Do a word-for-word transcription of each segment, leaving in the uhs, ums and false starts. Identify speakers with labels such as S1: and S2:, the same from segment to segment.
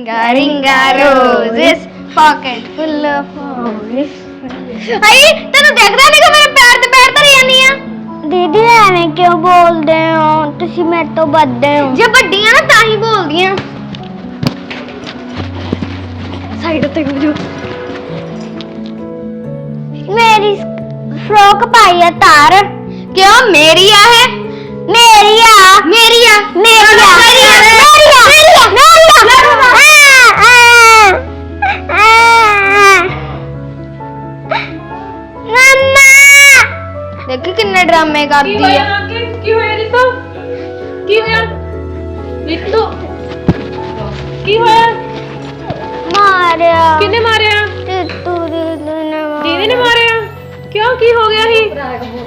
S1: Ringa ringa roses, pocket full of flowers. आई तेन देखदा नहीं कि मेरे पैर ते पैर धरी जानी आ दीदी एवें क्यों बोलदे हो तुसी मेरे तो बड्डे हो जे बड्डी आ ना तां ही बोलदी आ साइड ते हो जो मेरी फ्रॉक पाई है तार क्यों मेरी आ है मेरी आ मेरी आ मेरी आ मेरी आ मेरी आ देखी किन्ने ड्रामे करती है
S2: की होया रितो की होया रितो की होया
S1: मारिया
S2: किने मारिया
S1: तू दीदी ने
S2: दीदी ने मारिया क्यों की हो गया ही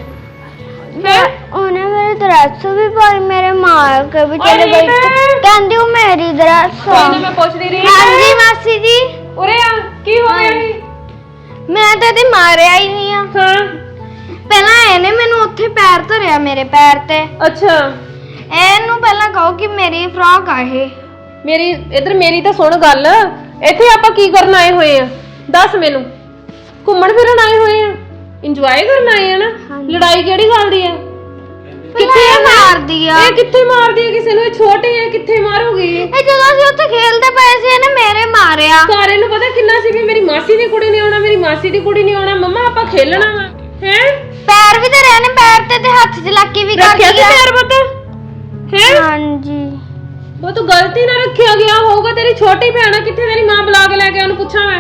S2: है
S1: उन्हें मेरी ड्रेस भी पाई मेरे मार के भी चले गई कहंदी हूं मेरी ड्रेस
S2: कोई मैं पूछ रही
S1: हां जी मासी जी
S2: ओरे आ की हो गया ही
S1: मैं तो ते मारिया ही नहीं आ
S2: हां
S1: ਪਹਿਲਾਂ ਇਹਨੇ ਮੈਨੂੰ ਉੱਥੇ ਪੈਰ ਧਰਿਆ ਮੇਰੇ ਪੈਰ ਤੇ
S2: ਅੱਛਾ
S1: ਇਹਨੂੰ ਪਹਿਲਾਂ ਕਹੋ ਕਿ ਮੇਰੀ ਫਰਾਕ ਆ ਇਹ
S2: ਮੇਰੀ ਇਧਰ ਮੇਰੀ ਤਾਂ ਸੁਣ ਗੱਲ ਇੱਥੇ ਆਪਾਂ ਕੀ ਕਰਨ ਆਏ ਹੋਏ ਆ ਦੱਸ ਮੈਨੂੰ ਘੁੰਮਣ ਫਿਰਨ ਆਏ ਹੋਏ ਆ ਇੰਜੋਏ ਕਰਨ ਆਏ ਆ ਨਾ ਲੜਾਈ ਕਿਹੜੀ ਗੱਲ ਦੀ ਆ
S1: ਕਿੱਥੇ ਮਾਰਦੀ ਆ
S2: ਇਹ ਕਿੱਥੇ ਮਾਰਦੀ ਆ ਕਿਸੇ ਨੂੰ ਇਹ ਛੋਟੀ ਆ ਕਿੱਥੇ ਮਾਰੂਗੀ
S1: ਇਹ ਜਦੋਂ ਅਸੀਂ ਉੱਥੇ ਖੇਲਦੇ ਪਏ ਸੀ ਇਹਨੇ ਮੇਰੇ ਮਾਰਿਆ
S2: ਸਾਰਿਆਂ ਨੂੰ ਪਤਾ ਕਿੰਨਾ ਸੀ ਵੀ ਮੇਰੀ ਮਾਸੀ ਦੀ ਕੁੜੀ ਨੇ ਆਉਣਾ ਮੇਰੀ ਮਾਸੀ ਦੀ ਕੁੜੀ ਨੇ ਆਉਣਾ ਮੰਮਾ ਆਪਾਂ ਖੇਲਣਾ ਵਾ ਹੈ
S1: ਪੈਰ ਵੀ ਧਰਿਆ ਨੇ ਪੈਰ ਤੇ ਤੇ ਹੱਥ 'ਚ ਲੱਕੀ ਵੀ ਕਰਦੀ ਆ
S2: ਰੱਖਿਆ ਸੀ ਪੈਰ ਪੁੱਤ ਹੈ
S1: ਹਾਂਜੀ
S2: ਉਹ ਤੂੰ ਗਲਤੀ ਨਾਲ ਰੱਖਿਆ ਗਿਆ ਹੋਊਗਾ ਤੇਰੀ ਛੋਟੀ ਭੈਣ ਆ ਕਿੱਥੇ ਤੇਰੀ ਮਾਂ ਬੁਲਾ ਕੇ ਲੈ ਕੇ ਉਹਨੂੰ ਪੁੱਛਾਂ ਮੈਂ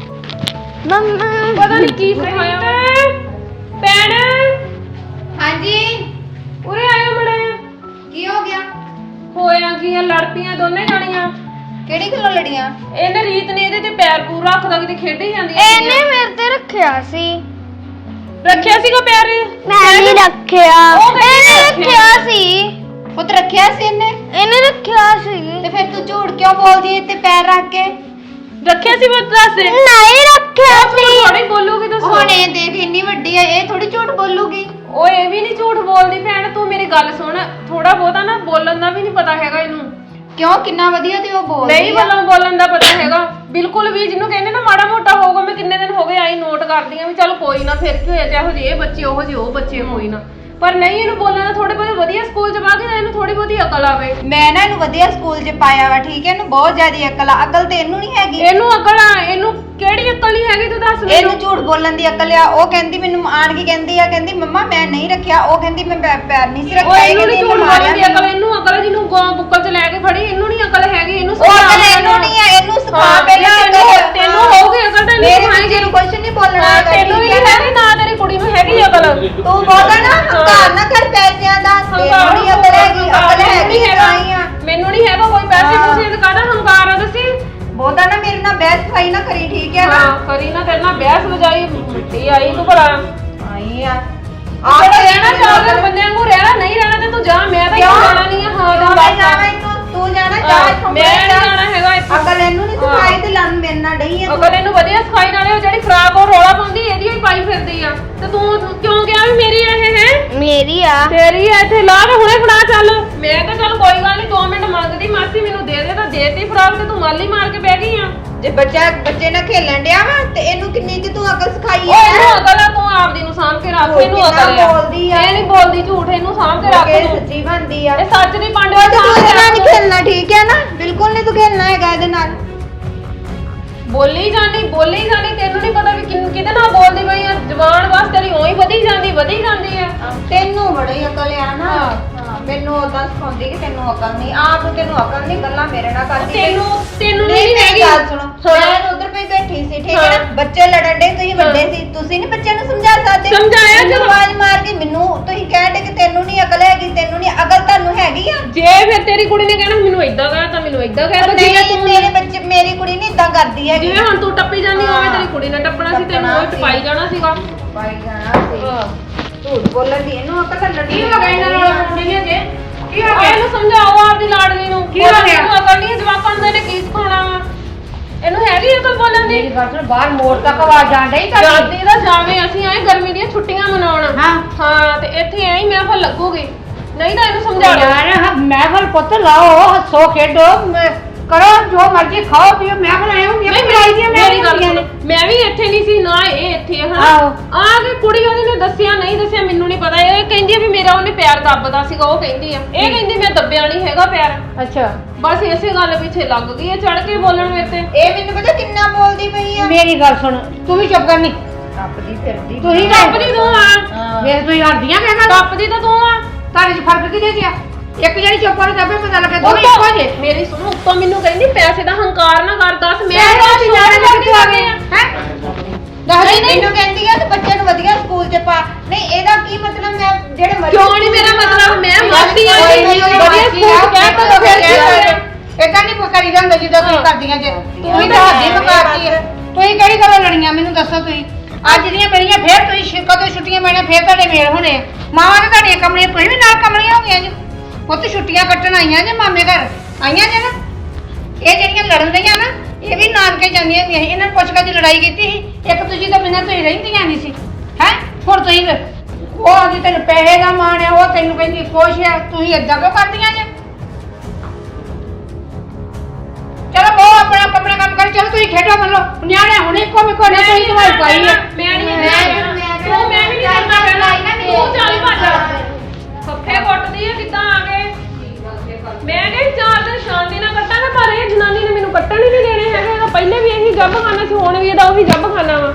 S1: ਮੰਮਾ
S2: ਪਤਾ ਨਹੀਂ ਕੀ ਸਿਖਾਇਆ ਭੈਣ
S3: ਹਾਂਜੀ
S2: ਉਰੇ ਆਇਆ ਮੜਾ
S3: ਕੀ ਹੋ ਗਿਆ
S2: ਹੋਇਆ ਕੀ ਆ ਲੜ ਪਈਆਂ ਦੋਨੇ ਜਾਣੀਆਂ
S3: ਕਿਹੜੀ ਗੱਲੋਂ ਲੜੀਆਂ
S2: ਇਹਨੇ ਰੀਤ ਨੇ ਇਹਦੇ ਤੇ ਪੈਰ ਪੂਰਾ ਰੱਖਦਾ ਕਿਤੇ ਖੇਡੀ ਜਾਂਦੀ ਆ
S1: ਇਹਨੇ ਮੇਰੇ ਤੇ ਰੱਖਿਆ ਸੀ
S2: ਰੱਖਿਆ ਸੀਗਾ ਪੈਰ
S1: ਮੈਂ ਨਹੀਂ ਰੱਖਿਆ ਇਹਨੇ ਰੱਖਿਆ ਸੀ
S3: ਪੁੱਤ ਰੱਖਿਆ ਸੀ ਇਹਨੇ
S1: ਇਹਨੇ ਰੱਖਿਆ ਸੀ
S3: ਤੇ ਫਿਰ ਤੂੰ ਝੂਠ ਕਿਉਂ ਬੋਲਦੀ ਏ ਤੇ ਪੈਰ ਰੱਖ ਕੇ
S2: ਰੱਖਿਆ ਸੀ ਬਸ ਦੱਸ ਦੇ
S1: ਨਹੀਂ ਰੱਖਿਆ ਸੀ
S2: ਥੋੜੀ ਬੋਲੂਗੀ ਦੱਸ
S3: ਹੁਣ ਇਹ ਦੇਖ ਇੰਨੀ ਵੱਡੀ ਆ ਇਹ ਥੋੜੀ ਝੂਠ ਬੋਲੂਗੀ
S2: ਓਏ ਇਹ ਵੀ ਨਹੀਂ ਝੂਠ ਬੋਲਦੀ ਭੈਣ ਤੂੰ ਮੇਰੀ ਗੱਲ ਸੁਣ ਥੋੜਾ ਬਹੁਤਾ ਨਾ ਬੋਲਣ ਦਾ ਵੀ ਨਹੀਂ ਪਤਾ ਹੈਗਾ ਇਹਨੂੰ
S3: ਕਿਉਂ ਕਿੰਨਾ ਵਧੀਆ ਤੇ ਉਹ ਬੋਲਦੀ
S2: ਨਹੀਂ ਵੱਲੋਂ ਬੋਲਣ ਦਾ ਪਤਾ ਹੈਗਾ ਬਿਲਕੁਲ ਵੀ ਜਿਹਨੂੰ ਕਹਿੰਦੇ ਨਾ ਮਾੜਾ ਮੋਟਾ ਹੋਊਗਾ ਮੈਂ ਕਿੰਨੇ ਦਿਨ ਹੋ ਗਏ ਆਈ ਨੋਟ ਕਰਦੀ ਆ ਵੀ ਚੱਲ ਕੋਈ ਨਾ ਫਿਰ ਕੀ ਹੋਇਆ ਚਾਹੋ ਜੇ ਇਹ ਬੱਚੇ ਉਹੋ ਜਿਹੇ ਉਹ ਬੱਚੇ ਕੋਈ ਨਾ ਪਰ ਨਹੀਂ ਇਹਨੂੰ ਬੋਲਣ ਦਾ ਥੋੜੇ ਬਹੁਤ ਵਧੀਆ ਸਕੂਲ ਚ ਪਾ ਕੇ ਇਹਨੂੰ ਥੋੜੀ ਬਹੁਤੀ ਅਕਲ ਆਵੇ
S3: ਮੈਂ ਨਾ ਇਹਨੂੰ ਵਧੀਆ ਸਕੂਲ 'ਚ ਪਾਇਆ ਵਾ ਠੀਕ ਹੈ ਇਹਨੂੰ ਬਹੁਤ ਜ਼ਿਆਦਾ ਅਕਲ ਆ ਅਕਲ ਤੇ ਇਹਨੂੰ ਨਹੀਂ ਹੈਗੀ
S2: ਇਹਨੂੰ ਅਕਲ ਆ ਇਹਨੂੰ ਕਿਹੜੀ ਅਕਲ ਨਹੀਂ ਹੈਗੀ ਤੂੰ ਦੱਸ ਮੈਨੂੰ
S3: ਇਹਨੂੰ ਝੂਠ ਬੋਲਣ ਦੀ ਅਕਲ ਆ ਉਹ ਕਹਿੰਦੀ ਮੈਨੂੰ ਆਣ ਕੇ ਕਹਿੰਦੀ ਆ ਕਹਿੰਦੀ ਮੰਮਾ ਮੈਂ ਨਹੀਂ ਰੱਖਿਆ ਉਹ ਕਹਿੰਦੀ ਮੈਂ ਪੈ- ਪੈਰ ਨਹੀਂ ਸੀ ਰੱਖਿਆ
S2: ਓਏ
S3: ਇਹ
S2: ਇਹਨੂੰ ਨਹੀਂ
S3: ਕਹਿੰਦੀ
S2: ਝੂਠ
S3: ਮਾਰਿਆ
S2: ਬੋਲਣ ਦੀ ਅਕਲ ਇਹਨੂੰ ਅਕਲ ਆ ਜਿਹਨੂੰ ਗਾਂ ਬੁੱਕਲ ਚ ਲੈ ਕੇ ਫੜੀ ਇਹਨੂੰ ਨਹੀਂ ਅਕਲ ਹੈਗੀ ਇਹਨੂੰ
S3: ਉਹ ਅਕਲ ਇਹਨੂੰ ਨਹੀਂ ਆ ਇਹਨੂੰ ਸਿਖਾ ਪਹਿਲਾਂ
S2: ਤੈਨੂੰ ਤੈਨੂੰ ਹੋਊਗੀ ਅਕਲ ਤਾਂ
S3: ਮੇਰੇ
S2: ਇਹਨੂੰ
S3: ਬੱਚੇ ਨੂੰ ਕੁਝ ਨਹੀਂ ਬੋਲਣਾ ਹੈਗਾ,
S2: ਤੈਨੂੰ ਵੀ
S3: ਠੀਕ ਹੈ
S2: ਨਹੀਂ ਹੈਗੀ ਨਾ ਤੇਰੀ ਕੁੜੀ ਨੂੰ ਹੈਗੀ ਅਕਲ
S3: ਤੂੰ ਬੋਲਦਾ ਨਾ ਹੰਕਾਰ ਨਾ ਕਰ ਪੈਸਿਆਂ ਦਾ ਤੈਨੂੰ ਨਹੀਂ ਅਕਲ ਹੈਗੀ ਅਕਲ ਹੈਗੀ ਆਈ ਆ
S2: ਮੈਨੂੰ ਨਹੀਂ ਹੈਗਾ ਕੋਈ ਪੈਸੇ ਪੂਸੇ ਦਾ ਕਾਹਦਾ ਹੰਕਾਰ ਆ ਦੱਸੀ
S3: ਬੋਲਦਾ ਨਾ ਮੇਰੇ ਨਾਲ ਬਹਿਸ ਖਾਈ ਨਾ ਕਰੀ ਠੀਕ ਹੈ ਨਾ
S2: ਹਾਂ ਕਰੀ ਨਾ ਤੇਰੇ ਨਾਲ ਬਹਿਸ ਵਜਾਈ ਮਿੱਟੀ ਆਈ ਤੂੰ ਭਲਾ
S3: ਆਈ ਆ
S2: ਆਪ ਰਹਿਣਾ ਚਾਹਦੇ ਬੰਦਿਆਂ ਨੂੰ ਰਹਿਣਾ ਨਹੀਂ ਰਹਿਣਾ ਤੇ ਤੂੰ ਜਾ ਮੈਂ ਤਾਂ
S3: ਕਿਉਂ?
S2: ਜਾਣਾ ਨਹੀਂ ਆ ਹਾਂ
S3: ਤੂੰ
S2: ਤੂੰ
S3: ਮੈਂ
S2: ਬਸ
S3: ਜਾਣਾ ਇਹਨੂੰ ਤੂੰ ਜਾਣਾ ਜਾ ਇੱਥੋਂ
S2: ਮੈਂ ਨਹੀਂ ਜਾਣਾ ਹੈਗਾ ਇੱਥੋਂ
S3: ਅਕਲ ਇਹਨੂੰ ਨਹੀਂ ਸਿਖਾਈ ਤੇ ਲੰਨ ਮੇਰੇ ਨਾਲ ਡਈ ਆ
S2: ਅਗਰ ਇਹਨੂੰ ਵਧੀਆ ਸਿਖਾਈ ਨਾਲੇ ਉਹ ਜਿਹੜੀ ਖਰਾਬ ਉਹ ਰੋਲਾ ਪਾਉਂਦੀ ਇਹਦੀ ਹੀ ਪਾਈ ਫਿਰਦੀ ਆ ਤੇ ਤੂੰ ਤੂੰ ਕਿਉਂ ਗਿਆ ਵੀ ਮੇਰੀ ਇਹ ਹੈ
S1: ਮੇਰੀ ਆ
S2: ਤੇਰੀ ਆ ਇੱਥੇ ਲਾ ਕੇ ਹੁਣੇ ਫੜਾ ਚੱਲ ਮੈਂ ਤਾਂ ਚੱਲ ਕੋਈ ਗੱਲ ਨਹੀਂ ਦੋ ਮਿੰਟ ਮੰਗਦੀ ਮਾਸੀ ਮੈਨੂੰ ਦੇ ਦੇ ਤਾਂ ਦੇਤੀ ਫਰਾਕ ਤੇ ਤੂੰ ਮਾਲੀ ਮਾਰ ਕੇ ਬਹਿ ਗਈ ਆ
S3: ਜੇ ਬੱਚਾ ਬੱਚੇ ਨਾਲ ਖੇਲਣ ਡਿਆ ਵਾ ਤੇ ਇਹਨੂੰ ਕਿੰਨੀ ਕਿ ਤੂੰ ਅਕਲ ਸਿਖਾਈ
S2: ਓਏ
S3: ਹੈ
S2: ਇਹਨੂੰ ਅਕਲ ਆ ਤੂੰ ਆਪਦੀ ਨੂੰ ਸਾਂਭ ਕੇ ਰੱਖ
S3: ਝੂਠ
S2: ਇਹਨੂੰ
S3: ਕਿੰਨਾ
S2: ਅਕਲ ਆ
S3: ਬੋਲਦੀ ਆ।
S2: ਇਹ ਨਹੀਂ ਬੋਲਦੀ ਝੂਠ ਇਹਨੂੰ ਸਾਂਭ ਕੇ ਰੱਖ
S3: ਕਿ
S2: ਤੂੰ
S3: ਸੱਚੀ ਬਣਦੀ ਆ
S2: ਇਹ ਸੱਚ ਦੀ ਪਾਂਡੇ
S3: ਉਹ
S2: ਸਾਂਭ
S3: ਤੂੰ
S2: ਕੇ
S3: ਇਹਦੇ ਨਾਲ
S2: ਰੱਖ
S3: ਨਹੀਂ ਖੇਲਣਾ ਠੀਕ ਹੈ ਨਾ ਬਿਲਕੁਲ ਨਹੀਂ ਤੂੰ ਖੇਲਣਾ ਹੈਗਾ ਇਹਦੇ ਨਾਲ
S2: ਬੋਲੀ ਜਾਨੀ ਬੋਲੀ ਜਾਨੀ ਤੈਨੂੰ ਨਹੀਂ ਪਤਾ ਵੀ ਕਿੰਨ- ਕਿਹਦੇ ਨਾਲ ਬੋਲਦੀ ਪਈ ਆ ਜ਼ਬਾਨ ਬਸ ਤੇਰੀ ਉਹੀ ਵਧੀ ਜਾਂਦੀ ਵਧੀ ਜਾਂਦੀ ਆ
S3: ਤੈਨੂੰ ਬੜੀ ਅਕਲ ਆ ਨਾ ਹਾਂ ਮੈਨੂੰ ਉਦਾਂ ਸਿਖਾਉਂਦੀ ਕਿ ਤੈਨੂੰ ਅਕਲ ਨਹੀਂ ਆਪ ਤੈਨੂੰ ਅਕਲ ਨਹੀਂ ਗੱਲਾਂ ਮੇਰੇ ਨਾਲ ਕਰਦੀ
S2: ਤੈਨੂੰ ਤੈਨੂੰ
S3: ਨਹੀਂ
S2: ਨਹੀਂ
S3: ਮੇਰੀ
S2: ਹੈਗੀ
S3: ਗੱਲ ਸੁਣੋ ਮੈਂ ਉਧਰ ਪਈ ਬੈਠੀ ਸੀ ਠੀਕ ਹੈ ਨਾ ਬੱਚੇ ਲੜਨ ਦੇ ਤੁਸੀਂ ਵੱਡੇ ਸੀ ਤੁਸੀਂ ਨਹੀਂ ਬੱਚਿਆਂ ਨੂੰ ਸਮਝਾ ਸਕਦੇ
S2: ਸਮਝਾਇਆ
S3: ਜਦੋਂ
S2: ਜਦੋਂ
S3: ਆਵਾਜ਼ ਮਾਰ ਕੇ ਮੈਨੂੰ ਤੁਸੀਂ ਕਹਿੰਦੇ ਕਿ ਤੈਨੂੰ ਨਹੀਂ ਅਕਲ ਹੈਗੀ ਤੈਨੂੰ ਨਹੀਂ ਅਕਲ ਤੁਹਾਨੂੰ ਹੈਗੀ ਆ
S2: ਜੇ ਫਿਰ ਤੇਰੀ ਕੁੜੀ ਨੇ ਕਹਿਣਾ ਮੈਨੂੰ ਇਦਾਂ ਕਹਿ ਤਾਂ ਮੈਨੂੰ ਇਦਾਂ ਕਹਿ ਤਾਂ ਜਿਵੇਂ
S3: ਨਹੀਂ
S2: ਤੂੰ
S3: ਮੇਰੇ ਬੱਚੇ ਮੇਰੀ ਕੁੜੀ ਨਹੀਂ ਇਦਾਂ ਕਰਦੀ ਹੈਗੀ
S2: ਜਿਵੇਂ ਹੁਣ ਤੂੰ ਟੱਪੀ ਜਾਂਦੀ ਹੋਵੇ ਤੇਰੀ ਕੁੜੀ ਨੇ ਟੱਪਣਾ ਸੀ ਤੈਨੂੰ ਉਹ ਟਪਾਈ ਜਾਣਾ ਸੀਗਾ
S3: ਪਾਈ ਜਾਣਾ ਸੀ ਝੂਠ ਬੋਲਣ ਦੀ ਇਹਨੂੰ ਅਕਲ ਤਾਂ ਲੱਗੀ
S2: ਕੀ ਹੋ ਗਿਆ ਇਹਨਾਂ ਨਾਲ ਮੁੰਡੇ ਨੇ ਜੇ ਕੀ ਹੋ ਗਿਆ ਇਹਨੂੰ ਸਮਝਾਓ ਆਪਦੀ ਲਾਡਲੀ ਨੂੰ ਕੀ ਹੋ ਗਿਆ ਇਹਨੂੰ ਅਕਲ ਨਹੀਂ ਜਵਾਕਾਂ ਨੂੰ ਇਹਨੇ ਕੀ ਸਿਖਾਉਣਾ ਵਾ ਇਹਨੂੰ ਹੈਗੀ ਅਕਲ ਬੋਲਣ ਦੀ
S3: ਬਾਹਰ ਮੋੜ ਤੱਕ ਆਵਾਜ਼ ਜਾਣ ਡਈ
S2: ਜਾਂਦੀ ਤਾਂ ਜਾਵੇਂ ਅਸੀਂ ਆਏ ਗਰਮੀ ਦੀਆਂ ਛੁੱਟੀਆਂ ਮਨਾਉਣ
S3: ਹਾਂ
S2: ਹਾਂ ਤੇ ਇੱਥੇ ਐਂ ਮਹਿਫਲ ਲੱਗੂਗੀ ਨਹੀਂ ਤਾਂ ਇਹਨੂੰ ਸਮਝਾ ਲਓ
S3: ਯਾਰ ਮਹਿਫਲ ਪੁੱਤ ਲਾਓ ਹੱਸੋ ਖੇਡੋ
S4: ਕਰੋ ਜੋ ਮਰਜ਼ੀ ਖਾਓ ਪੀਓ ਮੈਂ ਬਣਾਇਆ ਹੁੰਦੀ ਆ ਬਣਾਈ ਦੀਆਂ ਮੈਂ
S2: ਮੇਰੀ ਗੱਲ ਸੁਣ, ਮੈਂ ਵੀ ਇੱਥੇ ਨਹੀਂ ਸੀ ਨਾ ਇਹ ਇੱਥੇ ਹਨਾ
S4: ਆਹੋ।
S2: ਆ ਕੇ ਕੁੜੀ ਉਹਦੀ ਨੇ ਦੱਸਿਆ ਨਹੀਂ ਦੱਸਿਆ ਮੈਨੂੰ ਨਹੀਂ ਪਤਾ ਇਹ ਕਹਿੰਦੀ ਆ ਵੀ ਮੇਰਾ ਉਹਨੇ ਪੈਰ ਦੱਬਦਾ ਸੀਗਾ ਉਹ ਕਹਿੰਦੀ ਆ ਇਹ ਕਹਿੰਦੀ ਮੈਂ ਦੱਬਿਆ ਨਹੀਂ ਹੈਗਾ ਪੈਰ
S4: ਅੱਛਾ
S2: ਬਸ ਇਸੇ ਗੱਲ ਪਿੱਛੇ ਲੱਗ ਗਈ ਹੈ ਚੜ ਕੇ ਬੋਲਣ ਮੇਰੇ ਤੇ
S3: ਇਹ ਮੈਨੂੰ ਪਤਾ ਕਿੰਨਾ ਬੋਲਦੀ ਪਈ ਆ
S4: ਮੇਰੀ ਗੱਲ ਸੁਣ ਤੂੰ ਵੀ ਚੁੱਪ ਕਰਨੀ
S3: ਟੱਪਦੀ ਫਿਰਦੀ
S4: ਤੁਸੀਂ
S2: ਟੱਪਦੀ ਤੂੰ ਆ
S4: ਵੇ ਤੁਸੀਂ ਹਰਦੀਆਂ ਮੈਂ ਗੱਲ
S2: ਟੱਪਦੀ ਤਾਂ ਤੂੰ ਆ
S4: ਤੁਹਾਡੇ ਚ ਫਰਕ ਕਿਹਦੇ ਚ ਆ ਇੱਕ ਜਿਹੜੀ ਚੁੱਪ ਵਾਲੀ ਦੱਬੇ ਪਤਾ ਲੱਗੇ
S2: ਉਹ
S4: ਦੋਵੇਂ ਇੱਕੋ ਜੇ
S2: ਮੇਰੀ ਸੁਣ ਉੱਤੋਂ ਮੈਨੂੰ ਕਹਿੰਦੀ ਪੈਸੇ ਦਾ ਹੰਕਾਰ ਨਾ ਕਰ ਦੱਸ ਮੈਂ
S4: ਮੈਂ
S2: ਤਾਂ
S4: ਤਾਂ ਜਾਣੇ
S2: ਸ਼ੋਰ
S4: ਕਿੱਥੋਂ ਆ ਗਏ
S2: ਆ
S4: ਹੈ
S3: ਨਹੀਂ ਮੈਨੂੰ ਕਹਿੰਦੀ ਆ ਕਿ ਬੱਚੇ ਨੂੰ ਵਧੀਆ ਸਕੂਲ 'ਚ ਪਾ ਨਹੀਂ ਇਹਦਾ ਕੀ ਮਤਲਬ ਮੈਂ ਜਿਹੜੇ ਮਰਜ਼ੀ
S2: ਕਿਉਂ ਨਹੀਂ ਮੇਰਾ ਮਤਲਬ ਮੈਂ ਮਰਦੀ ਆ
S4: ਕੋਈ ਨਹੀਂ, ਕੋਈ
S2: ਵਧੀਆ
S4: ਮਰਜ਼ੀ
S2: ਸਕੂਲ
S4: ਆ,
S2: ਚ ਕਹਿ ਤਾ
S4: ਫਿਰ
S2: ਫਿਰ
S4: ਕੀ
S2: ਕੀ
S4: ਹੋਇਆ?
S2: ਹੋਇਆ
S4: ਏਦਾਂ ਨਹੀਂ ਕਰੀ ਜਾਂਦਾ ਜਿੱਦਾਂ ਤੁਸੀਂ ਕਰਦੀਆਂ ਜੇ
S3: ਤੂੰ
S4: ਤੁਸੀਂ
S3: ਤਾਂ
S4: ਤਾਂ ਹੱਦੀ
S3: ਐਵੇਂ
S4: ਮੁਕਾਤੀ ਹੈ
S3: ਬਸ।
S4: ਤੁਸੀਂ ਕਿਹੜੀ ਗੱਲੋਂ ਲੜੀਆਂ ਮੈਨੂੰ ਦੱਸੋ ਤੁਸੀਂ ਅੱਜ ਦੀਆਂ ਮੇਰੀਆਂ ਫੇਰ ਤੁਸੀਂ ਛੇ- ਕਦੋਂ ਛੁੱਟੀਆਂ ਮੈਨੇ ਫੇਰ ਤੁਹਾਡੇ ਮੇਲ ਹੋਣੇ ਆ ਮਾਵਾਂ ਨੇ ਤੁਹਾਡੀਆਂ ਕਮਲੀਆਂ ਤੁਸੀਂ ਵੀ ਨਾਲ ਕਮਲੀਆਂ ਹੋ ਗਈਆਂ ਜੀ ਪੁੱਤ ਛੁੱਟੀਆਂ ਕੱਟਣ ਆਈਆਂ ਜੇ ਮਾਮੇ ਘਰ ਆਈਆਂ ਜੇ ਨਾ ਇਹ ਜਿਹੜੀਆਂ ਲੜਨ ਰਹੀਆਂ ਨਾ ਇਹ ਵੀ ਨਾਨਕੇ ਜਾਂਦੀਆਂ ਹੁੰਦੀਆਂ ਸੀ ਇਹਨਾਂ ਨੂੰ ਪੁੱਛ ਕੇ ਦੀ ਲੜਾਈ ਕੀਤੀ ਸੀ ਇੱਕ ਦੂਜੀ ਤੋਂ ਬਿਨਾਂ ਤੁਸੀਂ ਰਹਿੰਦੀਆਂ ਨਹੀਂ ਸੀ ਹੈ ਹੁਣ ਤੁਸੀਂ ਉਹ ਆਦੀ ਤੈਨੂੰ ਪੈਸੇ ਦਾ ਮਾਣ ਆ ਉਹ ਤੈਨੂੰ ਕਹਿੰਦੀ ਖੁਸ਼ ਆ ਤੁਸੀਂ ਏਦਾਂ ਕਿਉਂ ਕਰਦੀਆਂ ਜੇ ਚਲੋ ਬਹੁ ਆਪਣਾ ਆਪਣਾ ਕੰਮ ਕਰ ਚਲੋ ਤੁਸੀਂ ਖੇਡੋ ਮੰਨ ਲਓ ਨਿਆਣੇ ਹੁਣ ਇੱਕੋ ਮਿੱਕੋ ਨੇ ਤੁਸੀਂ ਤੁਹਾਡੀ ਪਾਈ ਆ
S2: ਮੈਂ ਨਹੀਂ ਤੂੰ ਮੈਂ ਵੀ ਨਹੀਂ ਕਰਨਾ ਪੈਣਾ ਤੂੰ ਚੱਲ ਭੱਜ ਫੱਫੇ ਕੁੱਟਦੀ ਆ ਕਿੱਦਾਂ ਆ ਗਏ ਮੈਂ ਕਿਹਾ ਚਾਰ ਦਿਨ ਸ਼ਾਂਤੀ ਨਾਲ ਕੱਟਾਂਗਾ ਪਰ ਇਹ ਜਨਾਨੀ ਨੇ ਮੈਨੂੰ ਕੱਟਣ ਹੀ ਨਹੀਂ ਦੇਣੇ ਹੈਗੇ ਇਹਦਾ ਪਹਿਲੇ ਵੀ ਇਹੀ ਜੱਬ ਖਾਣਾ ਸੀ ਹੁਣ ਵੀ ਇਹਦਾ ਉਹੀ ਜੱਬ ਖਾਣਾ ਵਾ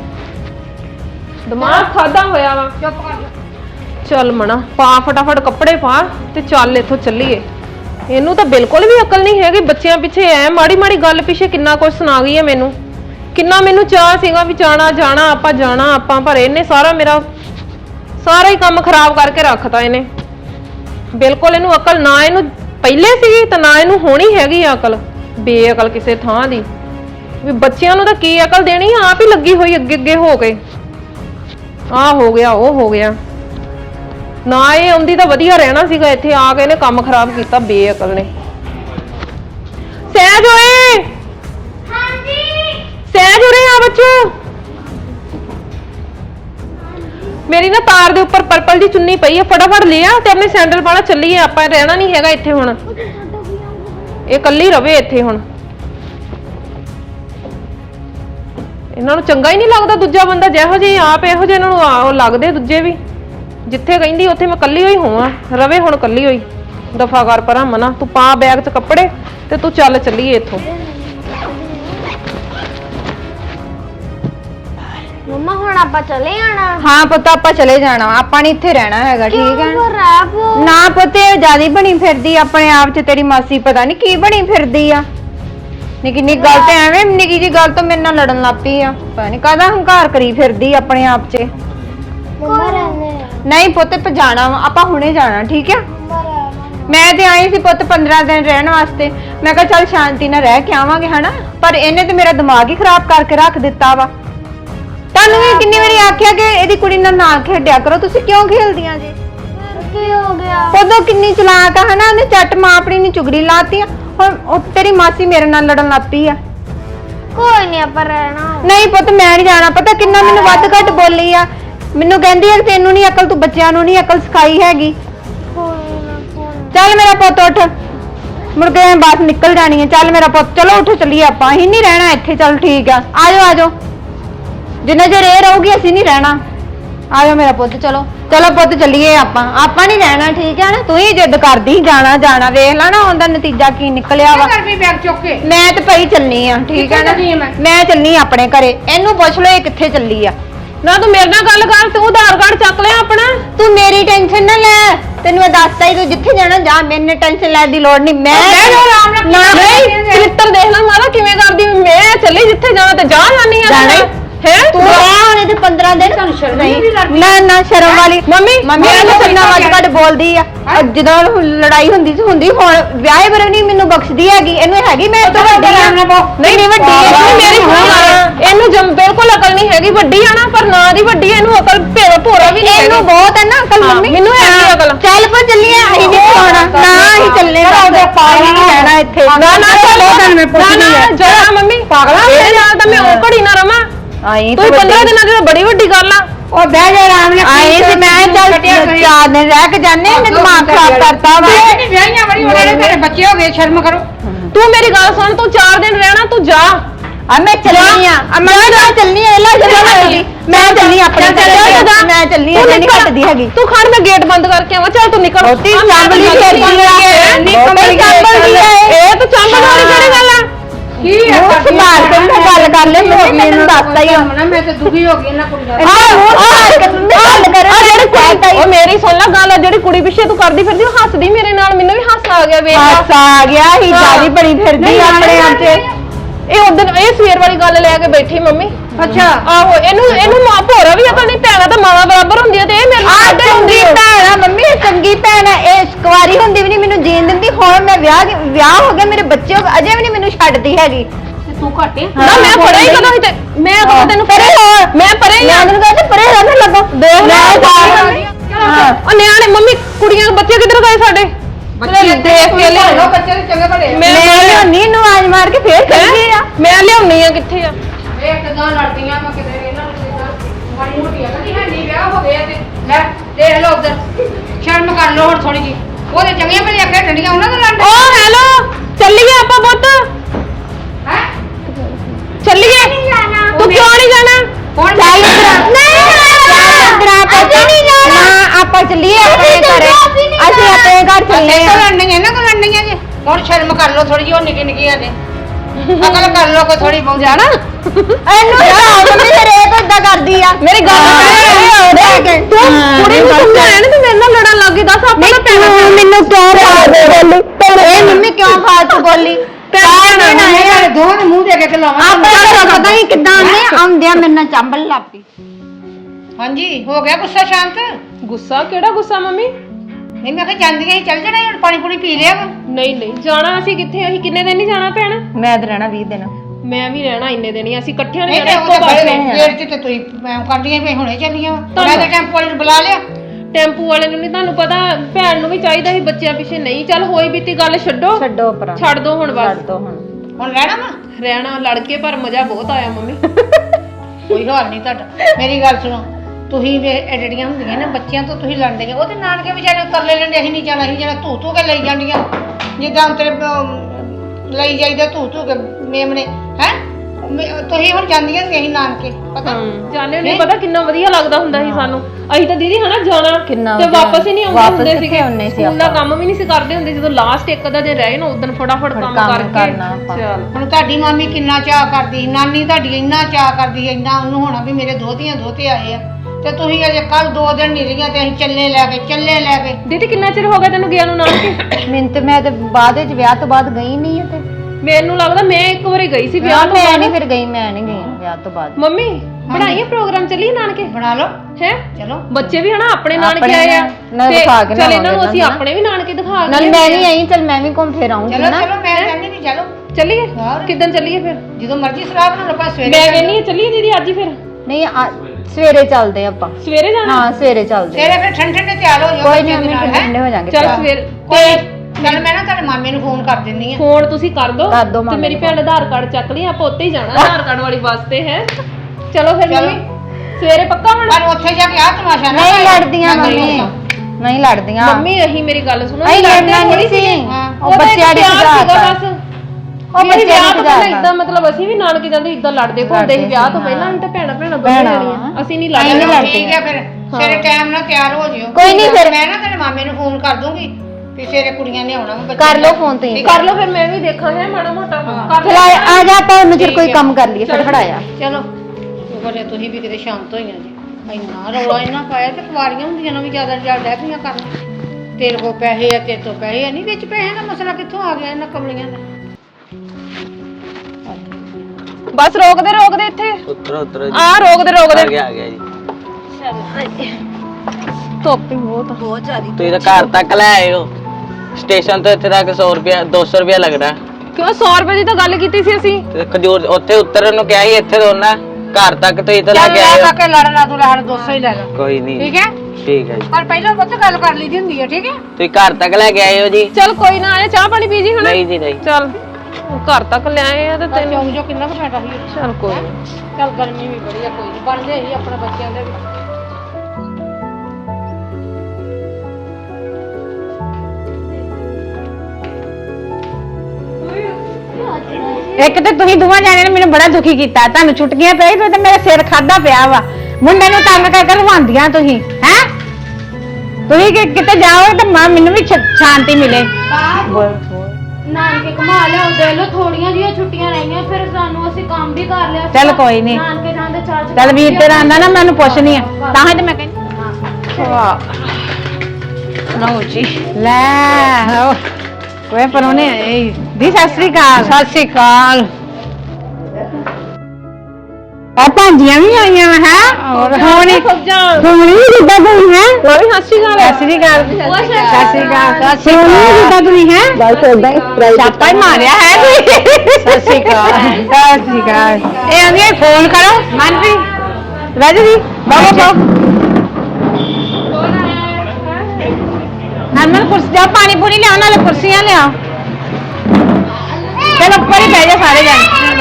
S2: ਦਿਮਾਗ ਖਾਦਾ ਹੋਇਆ ਵਾ
S4: ਚੁੱਪ ਕਰ ਜਾ
S2: ਚੱਲ ਮਣਾ ਪਾ ਫਟਾਫਟ ਕੱਪੜੇ ਪਾ ਤੇ ਚੱਲ ਇੱਥੋਂ ਚੱਲੀਏ ਇਹਨੂੰ ਤਾਂ ਬਿਲਕੁਲ ਵੀ ਅਕਲ ਨਹੀਂ ਹੈਗੀ ਬੱਚਿਆਂ ਪਿੱਛੇ ਐ ਮਾੜੀ ਮਾੜੀ ਗੱਲ ਪਿੱਛੇ ਕਿੰਨਾ ਕੁਝ ਸੁਣਾ ਗਈ ਹੈ ਮੈਨੂੰ ਕਿੰਨਾ ਮੈਨੂੰ ਚਾਹ ਸੀਗਾ ਵੀ ਜਾਣਾ ਜਾਣਾ ਆਪਾਂ ਜਾਣਾ ਆਪਾਂ ਪਰ ਇਹਨੇ ਸਾਰਾ ਮੇਰਾ ਸਾਰਾ ਹੀ ਕੰਮ ਖਰਾਬ ਕਰਕੇ ਰੱਖਤਾ ਇਹਨੇ ਬਿਲਕੁਲ ਇਹਨੂੰ ਅਕਲ ਨਾ ਇਹਨੂੰ ਪਹਿਲੇ ਸੀਗੀ ਤਾਂ ਨਾ ਇਹਨੂੰ ਹੋਣੀ ਹੈਗੀ ਆ ਅਕਲ ਬੇਅਕਲ ਕਿਸੇ ਥਾਂ ਦੀ ਵੀ ਬੱਚਿਆਂ ਨੂੰ ਤਾਂ ਕੀ ਅਕਲ ਦੇਣੀ ਆਪ ਹੀ ਲੱਗੀ ਹੋਈ ਅੱਗੇ ਅੱਗੇ ਹੋ ਕੇ ਆਹ ਹੋ ਗਿਆ ਉਹ ਹੋ ਗਿਆ ਨਾ ਇਹ ਆਉਂਦੀ ਤਾਂ ਵਧੀਆ ਰਹਿਣਾ ਸੀਗਾ ਇੱਥੇ ਆ ਕੇ ਇਹਨੇ ਕੰਮ ਖਰਾਬ ਕੀਤਾ ਬੇਅਕਲ ਨੇ ਸਹਿਜ ਓਏ
S1: ਹਾਂਜੀ
S2: ਸਹਿਜ ਉਰੇ ਆ ਬੱਚੋ ਮੇਰੀ ਨਾ ਤਾਰ ਦੇ ਉੱਪਰ ਪਰਪਲ ਦੀ ਚੁੰਨੀ ਪਈ ਹੈ ਫਟਾਫਟ ਲੈ ਆ ਤੇ ਆਪਣੇ ਸੈਂਡਲ ਪਾਣਾ ਚੱਲੀਏ ਆਪਾਂ ਰਹਿਣਾ ਨਹੀਂ ਹੈਗਾ ਇੱਥੇ ਹੁਣ ਇਹ ਇਕੱਲੀ ਰਵੇ ਇੱਥੇ ਹੁਣ ਇਹਨਾਂ ਨੂੰ ਚੰਗਾ ਹੀ ਨਹੀਂ ਲੱਗਦਾ ਦੂਜਾ ਬੰਦਾ ਜਿਹੋ ਜਿਹੇ ਆਪ ਇਹੋ ਜਿਹੇ ਇਹਨਾਂ ਨੂੰ ਉਹ ਲੱਗਦੇ ਦੂਜੇ ਵੀ ਜਿੱਥੇ ਕਹਿੰਦੀ ਉੱਥੇ ਮੈਂ ਇਕੱਲੀ ਹੋਈ ਹੋਵਾਂ ਰਵੇ ਹੁਣ ਇਕੱਲੀ ਹੋਈ ਦਫਾ ਕਰ ਪਰਾਂ ਮਨਾ ਤੂੰ ਪਾ ਬੈਗ 'ਚ ਕੱਪੜੇ ਤੇ ਤੂੰ ਚੱਲ ਚੱਲੀਏ ਇੱਥੋਂ
S1: ਮੰਮਾ ਹੁਣ ਆਪਾਂ ਚਲੇ ਆਣਾ
S3: ਹਾਂ ਪੁੱਤ ਆਪਾਂ ਚਲੇ ਜਾਣਾ ਆਪਾਂ ਨਹੀਂ ਇੱਥੇ ਰਹਿਣਾ ਹੈਗਾ ਠੀਕ ਹੈ
S1: ਕਿਉਂ ਰਹਿ ਪੋ
S3: ਨਾ ਪੁੱਤ ਇਹ ਜਿਆਦਾ ਬਣੀ ਫਿਰਦੀ ਆਪਣੇ ਆਪ 'ਚ ਤੇਰੀ ਮਾਸੀ ਪਤਾ ਨਹੀਂ ਕੀ ਬਣੀ ਫਿਰਦੀ ਆ ਨਿੱਕੀ ਨਿੱਕੀ ਗੱਲ ਤੇ ਐਵੇਂ ਨਿੱਕੀ ਜੀ ਗੱਲ ਤੋਂ ਮੇਰੇ ਨਾਲ ਲੜਨ ਲੱਗ ਪਈ ਆ ਪਤਾ ਨਹੀਂ ਕਾਹਦਾ ਹੰਕਾਰ ਕਰੀ ਫਿਰਦੀ ਆਪਣੇ ਆਪ 'ਚ
S1: ਮੰਮਾ ਰਹਿਣੇ
S3: ਨਹੀਂ ਪੁੱਤ ਪ ਜਾਣਾ ਵਾ ਆਪਾਂ ਹੁਣੇ ਜਾਣਾ ਠੀਕ ਹੈ
S1: ਮੰਮਾ ਰਹਿਣਾ
S3: ਮੈਂ ਤੇ ਆਈ ਸੀ ਪੁੱਤ ਪੰਦਰਾਂ ਦਿਨ ਰਹਿਣ ਵਾਸਤੇ ਮੈਂ ਕਿਹਾ ਚੱਲ ਸ਼ਾਂਤੀ ਨਾਲ ਰਹਿ ਕੇ ਆਵਾਂਗੇ ਹਨਾ ਪਰ ਇਹਨੇ ਤੇ ਮੇਰਾ ਦਿਮਾਗ ਹੀ ਖਰਾਬ ਕਰਕੇ ਰੱਖ ਦਿੱਤਾ ਵਾ ਤੁਹਾਨੂੰ ਵੀ ਕਿੰਨੀ ਵਾਰੀ ਆਖਿਆ ਕਿ ਇਹਦੀ ਕੁੜੀ ਨਾਲ ਨਾ ਖੇਡਿਆ ਕਰੋ ਤੁਸੀਂ ਕਿਉਂ ਖੇਲਦੀਆਂ ਜੀ
S1: ਕੀ ਹੋ ਗਿਆ
S3: ਉਦੋਂ ਕਿੰਨੀ ਚਲਾਕ ਆ ਹਨਾ ਉਹਨੇ ਚੱਟ ਮਾਂ ਆਪਣੀ ਨੂੰ ਚੁਗਲੀ ਲਾਤੀ ਆ ਹੁਣ ਉਹ ਤੇਰੀ ਮਾਸੀ ਮੇਰੇ ਨਾਲ ਲੜਨ ਲੱਗ ਪਈ ਆ
S1: ਕੋਈ ਨਹੀਂ ਆਪਾਂ ਰਹਿਣਾ
S3: ਨਹੀਂ ਪੁੱਤ ਮੈਂ ਨਹੀਂ ਜਾਣਾ ਪਤਾ ਕਿੰਨਾ ਮੈਨੂੰ ਵੱਧ ਘੱਟ ਬੋਲੀ ਆ ਮੈਨੂੰ ਕਹਿੰਦੀ ਆ ਕਿ ਤੈਨੂੰ ਨਹੀਂ ਅਕਲ ਤੂੰ ਬੱਚਿਆਂ ਨੂੰ ਨਹੀਂ ਅਕਲ ਸਿਖਾਈ ਹੈਗੀ
S1: ਕੋਈ ਨਾ ਕੋਈ
S3: ਚੱਲ ਮੇਰਾ ਪੁੱਤ ਉੱਠ ਮੁੜ ਕੇ ਬਾਤ ਨਿਕਲ ਜਾਣੀ ਹੈ ਚੱਲ ਮੇਰਾ ਪੁੱਤ ਚਲੋ ਉੱਠ ਚੱਲੀਏ ਆਪਾਂ ਅਸੀਂ ਨਹੀਂ ਰਹਿਣਾ ਇੱਥੇ ਚੱਲ ਠੀਕ ਆ ਆਜੋ ਆਜੋ ਜਿੰਨਾ ਚਿਰ ਇਹ ਰਹੂਗੀ ਅਸੀਂ ਨਹੀਂ ਰਹਿਣਾ ਆਜੋ ਮੇਰਾ ਪੁੱਤ ਚਲੋ ਚਲੋ ਪੁੱਤ ਚੱਲੀਏ ਆਪਾਂ ਆਪਾਂ ਨਹੀਂ ਰਹਿਣਾ ਠੀਕ ਹੈ ਨਾ ਤੂੰ ਹੀ ਜਿੱਦ ਕਰਦੀ ਜਾਣਾ ਜਾਣਾ ਵੇਖ ਲੈ ਨਾ ਉਹਦਾ ਨਤੀਜਾ ਕੀ ਨਿਕਲਿਆ ਵਾ
S4: ਕਰ ਵੀ ਬੈਗ ਚੁੱਕ ਕੇ
S3: ਮੈਂ ਤੇ ਪਈ ਚੱਲਣੀ ਆ ਠੀਕ ਹੈ
S4: ਕਿੱਥੇ ਚੱਲੀ ਆ
S3: ਨਾ
S4: ਮੈਂ?
S3: ਮੈਂ ਚੱਲਣੀ ਆਪਣੇ ਘਰੇ ਇਹਨੂੰ ਪੁੱਛ ਲਓ ਇਹ ਕਿੱਥੇ ਚੱਲੀ ਆ
S2: ਨਾ ਤੂੰ ਮੇਰੇ ਨਾਲ ਗੱਲ ਕਰ ਤੂੰ ਆਧਾਰ ਕਾਰਡ ਚੱਕ ਲਿਆ ਆਪਣਾ
S3: ਤੂੰ ਮੇਰੀ ਟੈਨਸ਼ਨ ਨਾ ਲੈ ਤੈਨੂੰ ਮੈਂ ਦੱਸਤਾ ਹੀ ਤੂੰ ਜਿੱਥੇ ਜਾਣਾ ਜਾ ਮੈਨੂੰ ਟੈਨਸ਼ਨ ਲੈਣ ਦੀ ਲੋੜ ਨਹੀਂ ਮੈਂ
S4: ਬਹਿ ਜਾ ਆਰਾਮ ਨਾਲ
S3: ਨਾ
S2: ਨਹੀਂ ਚਰਿੱਤਰ ਦੇਖ ਲੈ ਮਾਰਾ ਕਿਵੇਂ ਕਰਦੀ ਮੈਂ ਚੱਲੀ ਜਿੱਥੇ ਜਾਣਾ ਤੇ ਜਾ ਜਾਨੀ ਆ
S3: ਜਾਣਾ ਹੀ।
S2: ਹੈ
S3: ਤੂੰ ਆ ਹੁਣ ਇਹਦੇ ਪੰਦਰਾਂ ਦਿਨ
S4: ਤੁਹਾਨੂੰ ਸ਼ਰਮ
S3: ਨਹੀਂ
S4: ਨਹੀਂ ਲੱਗਦੀ?
S3: ਨਾ ਨਾ ਸ਼ਰਮ ਵਾਲੀ
S2: ਮੰਮੀ
S3: ਮੰਮੀ
S4: ਮੈਂ
S3: ਇਹ
S4: ਤਾਂ
S3: ਕਿੰਨਾ ਵੱਜ
S4: ਕਹਿ-
S3: ਘੱਟ ਬੋਲਦੀ ਆ
S4: ਹੈਂ?
S3: ਔਰ ਜਦੋਂ ਲੜਾਈ ਹੁੰਦੀ ਸੀ ਹੁੰਦੀ ਹੁਣ ਵਿਆਹੇ ਬਰੇ ਨਹੀਂ ਮੈਨੂੰ ਬਖਸ਼ਦੀ ਹੈਗੀ ਇਹਨੂੰ ਹੈਗੀ ਮੈਂ ਤੋਂ ਵੱਡੀ ਆ
S4: ਆਰਾਮ ਨਾਲ ਬੋ।
S3: ਨਹੀਂ ਨਹੀਂ ਵੱਡੀ
S2: ਇਹ
S3: ਹੈ
S2: ਮੇਰੀ ਸੁਣ ਇਹਨੂੰ ਜਮ ਬਿਲਕੁਲ ਅਕਲ ਨਹੀਂ ਹੈਗੀ ਵੱਡੀ ਆ ਨਾ ਪਰ ਨਾ ਦੀ ਵੱਡੀ ਆ, ਇਹਨੂੰ ਅਕਲ ਭੇਰੋ ਭੋਰਾ ਵੀ ਨਹੀਂ
S3: ਇਹਨੂੰ
S2: ਹੈਗੀ
S3: ਬਹੁਤ ਹੈ ਨਾ ਅਕਲ
S2: ਹਾਂ,
S3: ਮੰਮੀ
S2: ਮੈਨੂੰ ਹੈਗੀ ਅਕਲ।
S3: ਚੱਲ ਪਾ ਚੱਲੀਏ ਅਸੀਂ ਨਹੀਂ ਖਾਣਾ ਨਾ ਅਸੀਂ ਚੱਲੇ
S4: ਉਹਦੇ
S3: ਪਾਣੀ ਨਹੀਂ ਰਹਿਣਾ ਇੱਥੇ
S2: ਨਾ ਨਾ ਚੱਲ ਨਾ ਨਾ ਜਰਾ ਮੰਮੀ ਪਾਗਲਾ ਮੇਰੇ ਨਾਲ ਤਾਂ ਮੈਂ ਉਹ ਘੜੀ ਨਾ ਰਵਾਂ
S3: ਆਈ
S2: ਤੂੰ ਪੰਦਰਾਂ ਦਿਨਾਂ ਦੀ ਤਾਂ ਬੜੀ ਵੱਡੀ ਗੱਲ ਆ
S4: ਉਹ ਬਹਿ ਜਾ ਆਰਾਮ ਨਾਲ
S3: ਆਏ ਸੀ ਮੈਂ ਚੱਲ ਚਾਰ ਦਿਨ ਰਹਿ ਕੇ ਜਾਣੇ ਇਹਨੇ ਦਿਮਾਗ ਖਰਾਬ ਕਰਤਾ ਵਾ
S4: ਨਹੀਂ ਵਿਆਹੀਆਂ ਬੜੀ ਉਹਨਾਂ ਨੇ ਤੇਰੇ ਬੱਚੇ ਹੋ ਗਏ ਸ਼ਰਮ ਕਰੋ
S2: ਤੂੰ ਮੇਰੀ ਗੱਲ ਸੁਣ, ਤੂੰ ਚਾਰ ਦਿਨ ਰਹਿਣਾ, ਤੂੰ ਜਾ।
S3: ਆ ਮੈਂ ਚੱਲਣੀ ਆ ਆ ਮੈਂ ਤਾਂ ਚੱਲਣੀ ਆ ਇਹਲਾ ਜਗਾ ਹੋਏਗੀ ਮੈਂ ਚੱਲਣੀ ਆਪਣੇ ਘਰ ਮੈਂ ਚੱਲਣੀ ਆ ਨਹੀਂ ਘਟਦੀ ਹੈਗੀ
S2: ਤੂੰ ਖੜ ਮੈਂ ਗੇਟ ਬੰਦ ਕਰਕੇ ਆਵਾਂ। ਚੱਲ ਤੂੰ ਨਿਕਲ।
S3: ਰੋਟੀ ਚਾਂਬਲੀ ਫੇਰਦੀ ਆ
S2: ਨਹੀਂ ਕੰਬਲੀ
S3: ਚਾਂਬਲੀ ਆ
S2: ਇਹ ਤਾਂ ਚਾਂਬਲ ਵਾਲੀ ਕਿਹੜੀ ਗੱਲ ਆ?
S4: ਕੀ ਆ
S3: ਉਹ ਸੰਭਾਲ ਕੇ ਮੈਂ ਗੱਲ ਕਰ ਲੈ ਮੈਂ ਮੈਨੂੰ ਦੱਸਦਾ ਹੀ ਆ
S4: ਮੈਂ ਤਾਂ ਦੁਖੀ ਹੋ ਗਈ ਇਹਨਾਂ ਕੁੜੀਆਂ ਤੋਂ।
S3: ਆ ਉਹ ਗੱਲ ਕਰ ਜਿਹੜੀ ਕੁੜੀ
S2: ਉਹ ਮੇਰੀ ਸੁਣ ਲੈ ਗੱਲ, ਜਿਹੜੀ ਕੁੜੀ ਪਿੱਛੇ ਤੂੰ ਕਰਦੀ ਫਿਰਦੀ ਉਹ ਹੱਸਦੀ ਮੇਰੇ ਨਾਲ, ਮੈਨੂੰ ਵੀ ਹਾਸਾ ਆ ਗਿਆ ਵੇਖ।
S3: ਹਾਸਾ ਆ ਗਿਆ ਹੀ ਜਾਰੀ ਬੜੀ ਫਿਰਦੀ ਆਪਣੇ ਆਪ ਤੇ।
S2: ਇਹ ਉਦੋਂ ਇਹ ਸਵੇਰ ਵਾਲੀ ਗੱਲ ਲੈ ਕੇ ਬੈਠੀ ਮੰਮੀ।
S4: ਅੱਛਾ
S2: ਆਹੋ ਇਹਨੂੰ ਇਹਨੂੰ ਮਾਂ ਭੋਰਾ ਵੀ ਆ ਤਾਂ ਨਹੀਂ, ਭੈਣਾਂ ਤਾਂ ਮਾਵਾਂ ਬਰਾਬਰ ਹੁੰਦੀਆਂ ਤੇ ਇਹ ਮੇਰੇ
S3: ਆ
S2: ਨਾਲ
S3: ਚੰਗੀ ਭੈਣ ਆ ਮੰਮੀ, ਇਹ ਚੰਗੀ ਭੈਣ ਆ। ਇਹ ਕੁਆਰੀ ਹੁੰਦੀ ਵੀ ਨਹੀਂ ਮੈਨੂੰ ਜੀਣ ਦਿੰਦੀ, ਹੁਣ ਮੈਂ ਵਿਆਹ ਵਿਆਹ ਹੋ ਗਿਆ, ਮੇਰੇ ਬੱਚੇ ਹੋ ਗਏ, ਅਜੇ ਵੀ ਨਹੀਂ ਮੈਨੂੰ ਛੱਡਦੀ ਹੈਗੀ।
S4: ਤੇ ਤੂੰ ਘਾਟੇ
S2: ਨਾ ਮੈਂ ਪੜਿਆ ਹੀ ਕਦੋਂ ਸੀ ਤੇ ਮੈਂ ਕਦੋਂ ਤੈਨੂੰ
S3: ਪਰੇ ਹੋ
S2: ਮੈਂ ਪਰੇ ਹੀ ਆ।
S3: ਮੈਂ ਤੈਨੂੰ ਕਹਿੰਦਾ ਪਰੇ ਰਹਿਣ ਲੱਗੋ
S2: ਦੇਖ ਲੈ
S3: ਹਾਂ
S2: ਉਹ ਨਿਆਣੇ ਮੰਮੀ ਕੁੜੀਆਂ ਬੱਚੇ ਕਿੱਧਰ ਗਏ ਸਾਡੇ?
S4: ਬੱਚੇ
S2: ਦੇਖ ਕੇ ਲਿਆਓ।
S4: ਬੱਚੇ ਦੇ ਚੰਗੇ ਬੜੇ ਆ।
S2: ਮੈਂ
S3: ਮੈਂ ਲਿਆਉਣੀ ਨੂੰ ਆਵਾਜ਼ ਮਾਰ ਕੇ ਫੇਰ ਚੱਲੀ ਆ।
S2: ਮੈਂ ਲਿਆਉਣੀ ਆ ਕਿੱਥੇ ਆ?
S4: ਇਹ ਕਿਦਾਂ ਲੜਦੀਆਂ ਮੈਂ ਕਿਤੇ ਇਹਨਾਂ ਨੂੰ ਕਿਦਾਂ ਮਾੜੀ ਮੋਟੀ ਆ ਕਦੀ ਹੈ ਨਹੀਂ ਵਿਆਹ ਹੋ ਗਿਆ ਤੇ ਲੈ ਦੇਖ ਲਓ ਉਧਰ ਸ਼ਰਮ ਕਰ ਲਓ ਹੁਣ ਥੋੜੀ ਜੀ। ਉਹਦੇ ਚੰਗੀਆਂ ਭਲੀਆਂ ਖੇਡਣੀਆਂ ਉਹਨਾਂ ਦਾ ਲੰਡ
S2: ਓ ਹੈਲੋ ਚੱਲੀਏ ਆਪਾਂ ਪੁੱਤ,
S4: ਹੈ
S2: ਚੱਲੀਏ। ਤੂੰ ਕਿਉਂ ਨਹੀਂ ਜਾਣਾ?
S4: ਹੁਣ
S3: ਚੱਲ ਨਾ ਆਪਾਂ ਚੱਲੀਏ ਆਪਣੇ ਘਰ, ਅਸੀਂ ਆਪਣੇ ਘਰ ਚੱਲੇ
S4: ਇਹ ਤਾਂ
S3: ਆ।
S4: ਲੜਨੀਆਂ ਇਹਨਾਂ ਕੋ ਲੜਨੀਆਂ ਜੇ ਹੁਣ ਸ਼ਰਮ ਕਰ ਲਓ ਥੋੜੀ ਜਿਹੀ ਉਹ ਨਿੱਕੀ ਨਿੱਕੀਆਂ ਨੇ ਅਕਲ ਕਰ ਲਓ ਕੋਈ ਥੋੜੀ ਬਹੁਤ
S2: ਜਾਣਾ
S3: ਇਹਨੂੰ ਹਟਾਓ ਮੰਮੀ, ਫਿਰ ਇਹ ਤਾਂ ਏਦਾਂ ਕਰਦੀ ਆ।
S2: ਮੇਰੀ ਗੱਲ ਸੁਣ। ਤੂੰ ਕੁੜੀ ਨੂੰ ਸਮਝਾਇਆ ਨੀ, ਤੂੰ ਮੇਰੇ ਨਾਲ ਲੜਨ ਲੱਗ ਗਈ। ਦੱਸ ਆਪਾਂ ਤਾਂ ਭੈਣਾਂ
S3: ਤੂੰ ਮੈਨੂੰ ਕਿਉਂ ਫਾਲਤੂ ਬੋਲੀ? ਇਹ ਮੰਮੀ ਕਿਉਂ ਫਾਲਤੂ ਬੋਲੀ?
S4: ਨਾਲੇ ਦੋਵਾਂ ਦੇ ਮੂੰਹ ਦੇ ਕੇ ਲਾਵਾਂ
S3: ਆਪਾਂ ਤਾਂ ਪਤਾ ਨਹੀਂ ਕਿੱਦਾਂ ਆਉਂਦੇ ਆਉਂਦਿਆਂ ਮੇਰੇ ਨਾਲ ਚੰਬਲ ਲੱਪੀ।
S4: ਹਾਂਜੀ ਹੋ ਗਿਆ ਗੁੱਸਾ ਸ਼ਾਂਤ?
S2: ਗੁੱਸਾ ਕਿਹੜਾ ਗੁੱਸਾ ਮੰਮੀ?
S4: ਨਹੀਂ ਮੈਂ ਕਿਹਾ ਜਾਂਦੀਆਂ ਸੀ ਚੱਲ ਜਾਣਾ ਹੁਣ ਪਾਣੀ ਪੂਣੀ ਪੀ ਲਿਆ ਵਾ।
S2: ਨਹੀਂ ਨਹੀਂ ਜਾਣਾ ਅਸੀਂ ਕਿੱਥੇ, ਅਸੀਂ ਕਿੰਨੇ ਦਿਨ ਨਹੀਂ ਜਾਣਾ ਭੈਣ?
S3: ਮੈਂ ਤਾਂ ਰਹਿਣਾ ਵੀਹ ਦਿਨ।
S2: ਮੈਂ ਵੀ ਰਹਿਣਾ ਇੰਨੇ ਦਿਨ ਹੀ, ਅਸੀਂ ਇਕੱਠਿਆਂ ਨੇ
S4: ਨਹੀਂ
S2: ਜਾਣਾ
S4: ਤੇ
S2: ਇੱਕੋ
S4: ਉਹ
S2: ਬੱਸ
S4: ਤਾਂ
S2: ਨੇ।
S4: ਗੇਟ 'ਚ ਤੇ ਤੁਸੀਂ ਮੈਂ ਕਰਦੀਆਂ ਵੀ ਹੁਣੇ ਚੱਲੀਆਂ ਵਾ। ਮੈਂ ਤਾਂ ਟੈਂਪੋ ਵਾਲੇ ਨੂੰ ਬੁਲਾ ਲਿਆ।
S2: ਟੈਂਪੂ ਵਾਲੇ ਨੂੰ ਨਹੀਂ, ਤੁਹਾਨੂੰ ਪਤਾ ਭੈਣ ਨੂੰ ਵੀ ਚਾਹੀਦਾ ਸੀ ਬੱਚਿਆਂ ਪਿੱਛੇ। ਨਹੀਂ ਚੱਲ ਹੋਈ ਬੀਤੀ ਗੱਲ ਛੱਡੋ,
S3: ਛੱਡੋ ਪਰਾਂ,
S2: ਛੱਡ ਦੋ ਹੁਣ ਬਸ।
S3: ਛੱਡ ਦੋ ਹੁਣ।
S4: ਹੁਣ ਰਹਿਣਾ ਵਾ
S2: ਰਹਿਣਾ ਲੜ ਕੇ, ਪਰ ਮਜ਼ਾ ਬਹੁਤ ਆਇਆ ਮੰਮੀ।
S4: ਕੋਈ ਹਾਲ ਨਹੀਂ ਤੁਹਾਡਾ। ਮੇਰੀ ਗੱਲ ਸੁਣੋ, ਤੁਸੀਂ ਵੇ ਐਡੜੀਆਂ ਹੁੰਦੀਆਂ ਨੇ ਬੱਚਿਆਂ ਤੋਂ ਤੁਸੀਂ ਲੜਦੇ ਉਹ ਤੇ ਨਾਨਕੇ ਵਿਚਾਰੇ ਤਰਲੇ ਲੈਂਦੇ ਅਸੀਂ ਨਹੀਂ ਜਾਣਾ, ਅਸੀਂ ਜਾਣਾ ਧੂ ਧੂ ਕੇ ਲਈ ਜਾਂਦੀਆਂ ਜਿੱਦਾਂ ਤੇਰੇ ਲਈ ਜਾਈਦਾ ਧੂ ਧੂ ਕੇ ਮੇਮਣੇ ਹੈ। ਤੁਸੀਂ ਹੁਣ ਜਾਂਦੀਆਂ ਸੀ ਅਸੀਂ ਨਾਨਕੇ ਪਤਾ
S2: ਜਾਣੇ ਨਹੀਂ ਪਤਾ ਕਿੰਨਾ ਵਧੀਆ ਲੱਗਦਾ ਹੁੰਦਾ ਸੀ ਸਾਨੂੰ। ਅਸੀਂ ਤਾਂ ਦੀਦੀ ਹਨਾ ਜਾਣਾ
S3: ਕਿੰਨਾ
S2: ਤੇ ਵਾਪਸ ਹੀ ਨਹੀਂ ਆਉਂਦੇ
S3: ਵਾਪਸ
S2: ਹੁੰਦੇ
S3: ਕਿੱਥੇ
S2: ਸੀਗੇ।
S3: ਆਉਂਦੇ ਸੀ
S2: ਸਕੂਲ ਦਾ ਕੰਮ ਵੀ ਨਹੀਂ ਸੀ ਕਰਦੇ ਹੁੰਦੇ, ਜਦੋਂ ਲਾਸਟ ਇੱਕ ਅੱਧਾ ਦਿਨ ਰਹੇ ਨਾ ਉਦੋਂ ਫਟਾਫਟ ਕੰਮ
S3: ਕੰਮ
S2: ਕਰਕੇ
S3: ਕਰਨਾ ਆਪਾਂ।
S2: ਚੱਲ।
S4: ਹੁਣ ਤੁਹਾਡੀ ਮਾਮੀ ਕਿੰਨਾ ਚਾਅ ਕਰਦੀ ਸੀ, ਨਾਨੀ ਤੁਹਾਡੀ ਇੰਨਾ ਚਾਅ ਕਰਦੀ ਸੀ, ਇੰਨਾ ਉਹਨੂੰ ਹੋਣਾ ਵੀ ਮੇਰੇ ਦੋਹਤੀਆਂ ਦੋਹਤੇ ਆਏ ਆ ਤੇ ਤੁਸੀਂ ਅਜੇ ਕੱਲ ਦੋ ਦਿਨ ਨਹੀਂ ਰਹੀਆਂ ਤੇ ਅਸੀਂ ਚੱਲੇ ਲੈ ਕੇ ਚੱਲੇ ਲੈ ਕੇ।
S2: ਦੀਦੀ ਕਿੰਨਾ ਚਿਰ ਹੋ ਗਿਆ ਤੈਨੂੰ ਗਿਆ ਨੂੰ ਨਾਨਕੇ?
S3: ਮੈਨੂੰ ਤੇ ਮੈਂ ਤੇ ਬਾਅਦ ਵਿੱਚ ਵਿਆਹ ਤੋਂ ਬਾਅਦ ਗਈ ਨਹੀਂ ਤੇ
S2: ਮੈਨੂੰ ਲੱਗਦਾ ਮੈਂ ਇੱਕ ਵਾਰੀ ਗਈ ਸੀ ਵਿਆਹ ਤੋਂ
S3: ਮੈਂ
S2: ਬਾਅਦ।
S3: ਨਹੀਂ ਫਿਰ ਗਈ, ਮੈਂ ਨਹੀਂ ਗਈ ਵਿਆਹ ਤੋਂ ਬਾਅਦ।
S2: ਮੰਮੀ ਬਣਾਈਏ ਪ੍ਰੋਗਰਾਮ, ਚੱਲੀਏ ਨਾਨਕੇ
S4: ਬਣਾ ਲਓ
S2: ਹੈ?
S4: ਚਲੋ
S2: ਬੱਚੇ ਵੀ ਹਨਾ ਆਪਣੇ ਨਾਨਕੇ
S3: ਆਪਣੇ
S2: ਆਏ ਆ
S3: ਨਾਲ
S2: ਤੇ
S3: ਦਿਖਾ ਕੇ
S2: ਚੱਲ ਇਹਨਾਂ ਨੂੰ
S3: ਲਿਆਵਾਂਗੇ
S2: ਅਸੀਂ
S3: ਨਾ।
S2: ਆਪਣੇ ਵੀ ਨਾਨਕੇ ਦਿਖਾ
S3: ਨਾਲ
S2: ਕੇ
S3: ਮੈਂ ਨਹੀਂ ਆਈ, ਚਲ ਮੈਂ ਵੀ ਘੁੰਮ ਫਿਰ ਆਉਂਗੀ
S4: ਚਲੋ
S3: ਨਾ।
S4: ਚਲੋ ਮੈਂ ਕਹਿੰਦੀ ਨਹੀਂ ਚਲੋ
S2: ਚੱਲੀਏ।
S4: ਹੋਰ।
S2: ਕਿੱਦਣ ਚੱਲੀਏ ਫਿਰ?
S4: ਜਦੋਂ ਮਰਜ਼ੀ ਸਲਾਹ ਬਣਾ ਲਓ, ਆਪਾਂ ਸਵੇਰੇ
S2: ਮੈਂ
S4: ਚੱਲ
S2: ਕਹਿੰਨੀ ਚੱਲੀਏ ਦੀਦੀ ਅੱਜ ਹੀ ਫਿਰ।
S3: ਨਹੀਂ ਆ- ਸਵੇਰੇ ਚੱਲਦੇ ਆਪਾਂ।
S2: ਸਵੇਰੇ ਜਾਣਾ?
S3: ਹਾਂ ਸਵੇਰੇ ਚੱਲਦੇ।
S4: ਸਵੇਰੇ ਫਿਰ ਠੰਡੇ ਠੰਡੇ ਤਿਆਰ ਹੋ ਜਾਓ
S3: ਕੋਈ
S4: ਬੱਚਿਆਂ ਦੇ
S3: ਨਹੀਂ
S4: ਨਾਲ,
S3: ਫਿਰ
S4: ਹੈਂ?
S3: ਠੰਡੇ ਹੋ ਜਾਾਂਗੇ।
S2: ਚੱਲ ਸਵੇਰ
S4: ਕੋਈ ਚੱਲ ਮੈਂ ਨਾ ਤੁਹਾਡੇ ਮਾਮੇ ਨੂੰ ਫੋਨ ਕਰ ਦਿੰਦੀ ਆ।
S2: ਫੋਨ ਤੁਸੀਂ ਕਰ ਦੋ
S3: ਕਰ ਦਿਓ
S2: ਤੇ
S3: ਮਾਮੇ
S2: ਮੇਰੀ
S3: ਨੂੰ
S2: ਭੈਣ ਆਧਾਰ ਕਾਰਡ ਚੱਕ ਲਈ, ਆਪਾਂ ਉੱਤੇ ਹੀ ਜਾਣਾ ਆਧਾਰ ਕਾਰਡ ਵਾਲੀ ਬੱਸ ਤੇ ਹੈ। ਚਲੋ ਫਿਰ
S4: ਚਲੋ।
S2: ਮੰਮੀ ਸਵੇਰੇ ਪੱਕਾ ਹੁਣ?
S4: ਪਰ ਉੱਥੇ ਜਾ ਕੇ ਆ ਤਮਾਸ਼ਾ ਨਾ
S3: ਨਹੀਂ
S4: ਕਰਿਓ।
S3: ਲੜਦੀਆਂ
S4: ਮੈਂ ਗਈ
S3: ਮੰਮੀ,
S4: ਹਾਂ।
S3: ਨਹੀਂ ਲੜਦੀਆਂ
S2: ਮੰਮੀ ਅਹੀਂ ਮੇਰੀ ਗੱਲ ਸੁਣੋ,
S3: ਅਸੀਂ
S2: ਲੜਦੇ
S3: ਲੜਨਾ
S2: ਥੋੜ੍ਹੀ
S3: ਨਹੀਂ ਸੀ।
S2: ਸੀਗੇ।
S4: ਹਾਂ।
S3: ਉਹ
S2: ਤਾਂ ਇੱਕ
S3: ਬੱਚਿਆਂ ਦੀ
S2: ਪਿਆਰ
S3: ਖੁਸ਼ਹਾਲ
S2: ਸੀਗਾ
S3: ਆ।
S2: ਬਸ।
S3: ਉਹ
S2: ਵੀ
S3: ਬੱਚਿਆਂ
S2: ਵਿਆਹ
S3: ਦੀ
S2: ਤੋਂ ਪਹਿਲਾਂ
S3: ਖੁਸ਼ਹਾਲ ਆ।
S2: ਇਦਾਂ ਮਤਲਬ ਅਸੀਂ ਵੀ ਨਾਨਕੇ ਜਾਂਦੇ ਇਦਾਂ ਲੜਦੇ ਘੁੰਮਦੇ ਸੀ। ਵਿਆਹ ਤੋਂ
S3: ਹਾਂ।
S2: ਪਹਿਲਾਂ ਅਸੀਂ ਤਾਂ ਭੈਣਾਂ ਭੈਣਾਂ ਦੋਵੇਂ
S3: ਭੈਣਾਂ।
S2: ਜਣੀਆਂ, ਅਸੀਂ ਨਹੀਂ
S3: ਅਸੀਂ ਨਹੀਂ
S2: ਲੜਦੇ।
S3: ਲੜਦੇ।
S4: ਠੀਕ ਹੈ ਫਿਰ ਸਵੇਰੇ ਟਾਈਮ ਨਾਲ ਤਿਆਰ ਹੋ ਜਿਓ।
S3: ਕੋਈ ਨਹੀਂ ਫਿਰ।
S4: ਮੈਂ ਨਾ ਤੇਰੇ ਮਾਮੇ ਨੂੰ ਫੋਨ ਕਰ ਦੂੰਗੀ ਵੀ ਸਵੇਰੇ ਕੁੜੀਆਂ ਨੇ ਆਉਣਾ ਵਾ ਬੱਚੇ
S3: ਕਰ ਲਓ ਫੋਨ ਤੁਸੀਂ।
S4: ਠੀਕ ਹੈ?
S2: ਕਰ ਲਓ ਫਿਰ, ਮੈਂ ਵੀ ਦੇਖਾਂ ਹੈ ਮਾੜਾ ਮੋਟਾ ਕਰ
S3: ਚਲ ਆ ਆ ਜਾ ਆਪਾਂ ਉਹਨੂੰ ਚਿਰ ਕੋਈ ਕੰਮ ਕਰ ਲਈਏ ਫਟਫੜਾਇਆ।
S4: ਚਲੋ ਬੋਲੇ ਤੁਸੀਂ ਵੀ ਕਿਤੇ ਸ਼ਾਂਤ ਹੋਈਆਂ ਜੀ। ਇੰਨਾ ਰੌਲਾ ਇੰਨਾ ਪਾਇਆ ਤੇ ਕੁਆਰੀਆਂ ਹੁੰਦੀਆਂ ਨੂੰ ਵੀ ਜ਼ਿਆਦਾ ਜ਼ਿਆਦਾ ਡਹਿ ਪਈਆਂ ਕਰਨ। ਤੇਰੇ ਕੋਲ ਪੈਸੇ ਆ ਤੇਰੇ ਤੋਂ ਪੈਸੇ ਆ ਨਹੀਂ, ਵਿੱਚ ਪੈਸੇ ਦਾ ਮਸਲਾ ਕਿੱਥੋਂ ਆ ਗਿਆ ਇਹਨਾਂ ਕਮਲੀਆਂ ਦਾ?
S2: ਬਸ ਰੋਕਦੇ ਰੋਕਦੇ ਇੱਥੇ
S5: ਉਤਰੋ ਉਤਰੋ ਜੀ।
S2: ਆ ਰੋਕਦੇ
S5: ਆ
S2: ਰੋਕਦੇ
S5: ਗਿਆ ਆ ਗਿਆ ਜੀ।
S2: ਧੁੱਪ ਹੀ ਬਹੁਤ ਬਹੁਤ
S5: ਤੁਸੀਂ ਤਾਂ ਘਰ ਤੱਕ ਲੈ ਆਏ ਹੋ, ਸਟੇਸ਼ਨ ਤੋਂ ਇੱਥੇ ਤੱਕ ਸੌ ਰੁਪਿਆ ਦੋ ਸੌ ਰੁਪਿਆ ਲੱਗਦਾ।
S2: ਕਿਉਂ ਸੌ ਰੁਪਏ ਦੀ ਤਾਂ ਗੱਲ ਕੀਤੀ ਸੀ ਅਸੀਂ।
S5: ਤੇ ਖਜੂਰ ਉੱਥੇ ਉਤਰਨ ਨੂੰ ਕਿਹਾ ਸੀ, ਇੱਥੇ ਦੋਨਾ ਘਰ ਤੱਕ ਤੁਸੀਂ ਤਾਂ ਲੈ
S4: ਚੱਲ
S5: ਕੇ
S4: ਲੈ
S5: ਆਏ ਹੋ।
S4: ਕੇ ਲੜਨਾ ਤੂੰ ਲੜ ਦੋ ਸੌ ਹੀ ਲੈ ਲੈ
S5: ਕੋਈ ਨਹੀਂ
S4: ਠੀਕ ਹੈ?
S5: ਠੀਕ ਹੈ ਜੀ।
S4: ਪਰ ਪਹਿਲਾਂ ਬਹੁਤ ਗੱਲ ਕਰ ਲਈ ਦੀ ਹੁੰਦੀ ਹੈ ਠੀਕ ਹੈ?
S5: ਤੁਸੀਂ ਘਰ ਤੱਕ ਲੈ ਕੇ ਆਏ ਹੋ ਜੀ?
S2: ਚੱਲ ਕੋਈ ਨਾ, ਆਏ ਚਾਹ ਪਾਣੀ ਪੀ ਜੀ ਹੁਣ।
S5: ਨਹੀਂ ਜੀ ਨਹੀਂ।
S2: ਚੱਲ ਘਰ ਤੱਕ ਲੈ ਆਏ ਆ ਤੇ ਤੈਨੂੰ
S4: ਚੌਂਕ ਜੋ ਕਿੰਨਾ ਕੁ ਫਾਇਦਾ ਸੀ?
S2: ਚੱਲ ਕੋਈ ਨੀ।
S4: ਚੱਲ ਗਰਮੀ ਵੀ ਬੜੀ ਆ, ਕੋਈ ਨਹੀਂ ਬਣਦੇ ਹੀ ਆਪਣੇ ਬੱਚਿਆਂ ਦੇ ਵੀ।
S3: ਇੱਕ ਤੇ ਤੁਸੀਂ ਦੋਵਾਂ ਜਾਣਿਆਂ ਨੇ ਮੈਨੂੰ ਬੜਾ ਦੁਖੀ ਕੀਤਾ, ਤੁਹਾਨੂੰ ਛੁੱਟੀਆਂ ਪੈ ਗਈ ਤੇ ਮੇਰਾ ਸਿਰ ਖਾਦਾ ਪਿਆ ਵਾ। ਮੁੰਡੇ ਨੂੰ ਤੰਗ ਕਰ ਕਰ ਲਵਾਉਂਦੀਆਂ ਤੁਸੀਂ ਹੈ। ਤੁਸੀਂ ਕਿ- ਕਿਤੇ ਜਾਓ ਤੇ ਮਾਂ ਮੈਨੂੰ ਵੀ ਛ- ਸ਼ਾਂਤੀ ਮਿਲੇ।
S1: ਨਾਨਕੇ ਘੁਮਾ ਲਿਆਓ, ਦੇ ਲੋ ਥੋੜੀਆਂ ਜਿਹੀਆਂ ਛੁੱਟੀਆਂ ਰਹੀਆਂ, ਫਿਰ ਸਾਨੂੰ ਅਸੀਂ ਕੰਮ ਵੀ ਕਰ ਲਿਆ।
S3: ਚੱਲ ਕੋਈ ਨੀ।
S1: ਨਾਨਕੇ ਜਾਂਦੇ ਚਾਰ
S3: ਚੱਲ ਵੀਰ ਤੇਰਾ ਆਂਦਾ ਨਾ, ਮੈਨੂੰ ਪੁੱਛਣੀ ਆ ਤਾਂ ਹੀ ਤੇ ਮੈਂ ਕਹਿੰਦੀ
S5: ਲਓ ਜੀ।
S3: ਲੈ ਹੋ ਕੋਈ ਪਰੋਣੇ ਆਏ ਦੀ। ਸਤਿ ਸ੍ਰੀ ਅਕਾਲ। ਸਤਿ ਸ੍ਰੀ ਅਕਾਲ। ਆ ਭਾਂਜੀਆਂ ਵੀ ਆਈਆਂ ਹੈ ਔਰ ਹੋਣੀ ਹੋਣੀ ਜਿੱਦਾਂ ਤੂੰ ਹੈ। ਕੋਈ ਸਤਿ ਸ੍ਰੀ ਅਕਾਲ। ਸਤਿ ਸ੍ਰੀ ਅਕਾਲ। ਸਤਿ ਸ੍ਰੀ ਅਕਾਲ। ਸਤਿ ਸ੍ਰੀ ਅਕਾਲ। ਜਿੱਦਾਂ ਤੂੰ ਹੈ ਬਸ ਉਦਾਂ ਹੀ ਛਾਪਾ ਹੀ ਮਾਰਿਆ ਹੈ ਤੂੰ। ਸਤਿ ਸ੍ਰੀ ਅਕਾਲ। ਸਤਿ ਸ੍ਰੀ ਅਕਾਲ। ਇਹ ਆਂਦੀ ਫੋਨ ਕਰੋ ਮਨਪ੍ਰੀਤ ਰਾਜੂ ਜੀ ਬਾਬਾ ਬਾਬਾ ਹਰਮਨ ਕੁਰਸੀ ਜਾ ਪਾਣੀ ਪੂਰੀ ਲਿਆਓ ਨਾਲੇ ਕੁਰਸੀਆਂ ਲਿਆਓ। ਚਲੋ ਉੱਪਰ ਹੀ ਬਹਿ ਜਾ ਸਾਰੇ ਜਾਣੇ।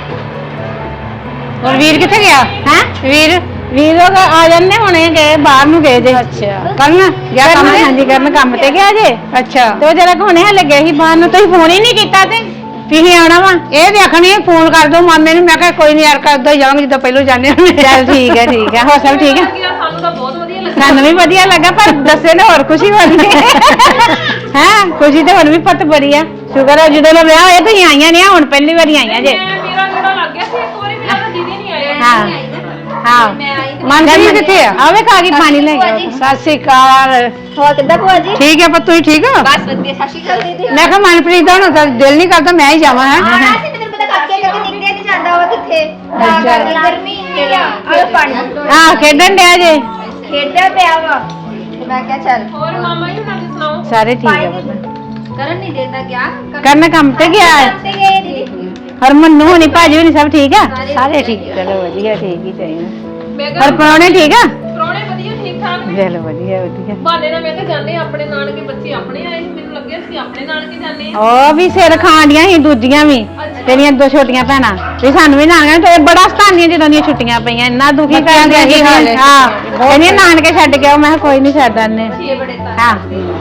S3: ਹੋਰ ਵੀਰ ਕਿੱਥੇ ਗਿਆ ਹੈ? ਵੀਰ ਵੀਰ ਲੋਕ ਆ ਜਾਂਦੇ ਹੁਣੇ ਗਏ ਬਾਹਰ ਨੂੰ ਗਏ ਜੇ। ਅੱਛਾ ਕਰਨ ਗਿਆ ਕੰਮ? ਹਾਂਜੀ ਕਰਨ ਕੰਮ ਤੇ ਗਿਆ ਜੇ। ਅੱਛਾ ਤੇ ਉਹ ਜਰਾ ਹੁਣੇ ਹਲੇ ਗਏ ਸੀ ਬਾਹਰ ਨੂੰ, ਤੁਸੀਂ ਫੋਨ ਹੀ ਨਹੀਂ ਕੀਤਾ ਤੇ ਤੁਸੀਂ ਆਉਣਾ ਵਾ ਇਹ ਦੇਖਣੀ ਫੋਨ ਕਰ ਦੋ ਮਾਮੇ ਨੂੰ। ਮੈਂ ਕਿਹਾ ਕੋਈ ਨਹੀਂ ਯਾਰ ਕਰਦਾ ਹੀ ਜਾਵਾਂਗੇ ਜਿੱਦਾਂ ਪਹਿਲੋਂ ਜਾਂਦੇ ਹੁੰਦੇ। ਚੱਲ ਠੀਕ ਹੈ ਠੀਕ ਹੈ ਹੋਰ ਸਭ ਠੀਕ ਹੈ।
S2: ਸਾਨੂੰ ਤਾਂ ਬਹੁਤ ਵਧੀਆ ਲੱਗਾ।
S3: ਸਾਨੂੰ ਵੀ ਵਧੀਆ ਲੱਗਾ ਪਰ ਦੱਸੇ ਨਾ ਹੋਰ ਖੁਸ਼ੀ ਹੋਣੀ ਹੈ। ਖੁਸ਼ੀ ਤੇ ਹੁਣ ਵੀ ਪਤ ਬੜੀ ਆ। ਸ਼ੁਕਰ ਹੈ ਜਦੋਂ ਦਾ ਵਿਆਹ ਹੋਇਆ ਤੁਸੀਂ ਆਈਆਂ ਨਹੀਂ, ਹੁਣ ਪਹਿਲੀ ਵਾਰੀ ਆਈਆਂ ਜੇ।
S2: ਮੇਰਾ ਥੋੜਾ ਲੱਗ ਗਿਆ ਸੀ ਇੱਕ ਵਾਰੀ, ਮੇਰਾ ਤਾਂ ਦੀਦੀ ਨਹੀਂ ਆਏ।
S3: ਹਾਂ ਹਾਂ ਮਨਪ੍ਰੀਤ ਕਿੱਥੇ ਆ? ਆਵੇ ਖਾ ਕੇ ਪਾਣੀ ਲੈ ਕੇ। ਸਤਿ ਸ੍ਰੀ ਅਕਾਲ।
S1: ਹੋਰ ਕਿੱਦਾਂ ਭੂਆ ਜੀ?
S3: ਠੀਕ ਹੈ ਪੁੱਤ ਤੁਸੀਂ ਠੀਕ ਹੋ?
S1: ਬਸ ਵਧੀਆ। ਸਤਿ ਸ਼੍ਰੀ ਅਕਾਲ ਦੀਦੀ।
S3: ਮੈਂ ਕਿਹਾ ਮਨਪ੍ਰੀਤ ਦਾ ਹੁਣ ਤਾਂ ਦਿਲ ਨਹੀਂ ਕਰਦਾ ਮੈਂ ਹੀ ਜਾਵਾਂ ਹੈ।
S1: ਆਣਾ ਸੀ ਤੇ ਮੈਨੂੰ ਪਤਾ ਕਾਕੇ ਕਰਕੇ ਨਿਕਲਿਆ ਨਹੀਂ ਜਾਂਦਾ ਵਾ ਕਿੱਥੇ। ਤਾਂ ਕਰਕੇ ਗਰਮੀ ਇੰਨੀ ਆ। ਆਹ ਪਾਣੀ
S3: ਹਾਂ ਖੇਡਣ ਡਿਆ ਜੇ।
S1: ਖੇਡਦਾ ਪਿਆ ਵਾ ਤੇ ਮੈਂ ਕਿਹਾ ਚੱਲ।
S2: ਹੋਰ ਮਾਮਾ ਜੀ ਹੁਣਾਂ ਦੀ ਸੁਣਾਓ?
S3: ਸਾਰੇ ਠੀਕ ਹੈ ਪੁੱਤ।
S1: ਕਰਨ ਨਹੀਂ ਦੇਦਾ ਗਿਆ।
S3: ਕਰਨ ਕੰਮ ਤੇ ਗਿਆ ਹੈ।
S1: ਤੇ ਗਏ ਦੀਦੀ।
S3: ਹਰਮਨ ਨੂੰ ਹੋਣੀ ਭਾਜੀ ਹੋਣੀ ਸਭ ਠੀਕ ਆ? ਸਾਰੇ ਠੀਕ। ਚਲੋ ਵਧੀਆ ਠੀਕ ਹੀ ਚਾਹੀਦਾ।
S2: ਮੈਂ
S3: ਹਰ
S2: ਕਿਹਾ
S3: ਪਰੌਣੇ ਠੀਕ ਆ?
S2: ਪ੍ਰਾਹੁਣੇ ਵਧੀਆ ਠੀਕ ਠਾਕ ਨੇ।
S3: ਚਲੋ ਵਧੀਆ ਵਧੀਆ।
S2: ਬਹਾਨੇ ਨਾਲ ਮੈਂ ਕਿਹਾ ਜਾਂਦੇ ਆ ਆਪਣੇ ਨਾਨਕੇ, ਬੱਚੇ ਆਪਣੇ ਆਏ ਸੀ, ਮੈਨੂੰ ਲੱਗਿਆ ਸੀ ਆਪਣੇ ਨਾਨਕੇ ਜਾਂਦੇ ਆ।
S3: ਉਹ ਵੀ ਸਿਰ ਖਾਂਡੀਆਂ ਸੀ ਦੂਜੀਆਂ ਵੀ ਤੇਰੀਆਂ ਦੋ ਛੋਟੀਆਂ ਭੈਣਾਂ ਵੀ ਸਾਨੂੰ ਵੀ ਨਾਨਕੇ ਤੇ ਬੜਾ ਸਤਾਨੀਆਂ ਜਦੋਂ ਦੀਆਂ ਛੁੱਟੀਆਂ ਪਈਆਂ ਇੰਨਾ ਦੁਖੀ ਕਰਦੇ ਸੀ। ਹਾਂ ਕਹਿੰਦੀਆਂ ਨਾਨਕੇ ਛੱਡ ਕੇ ਆਓ। ਮੈਂ ਕਿਹਾ ਕੋਈ ਨਹੀਂ ਛੱਡ ਆਨੇ।
S2: ਛੇ ਬੜੇ ਤਾਂ
S3: ਹਾਂ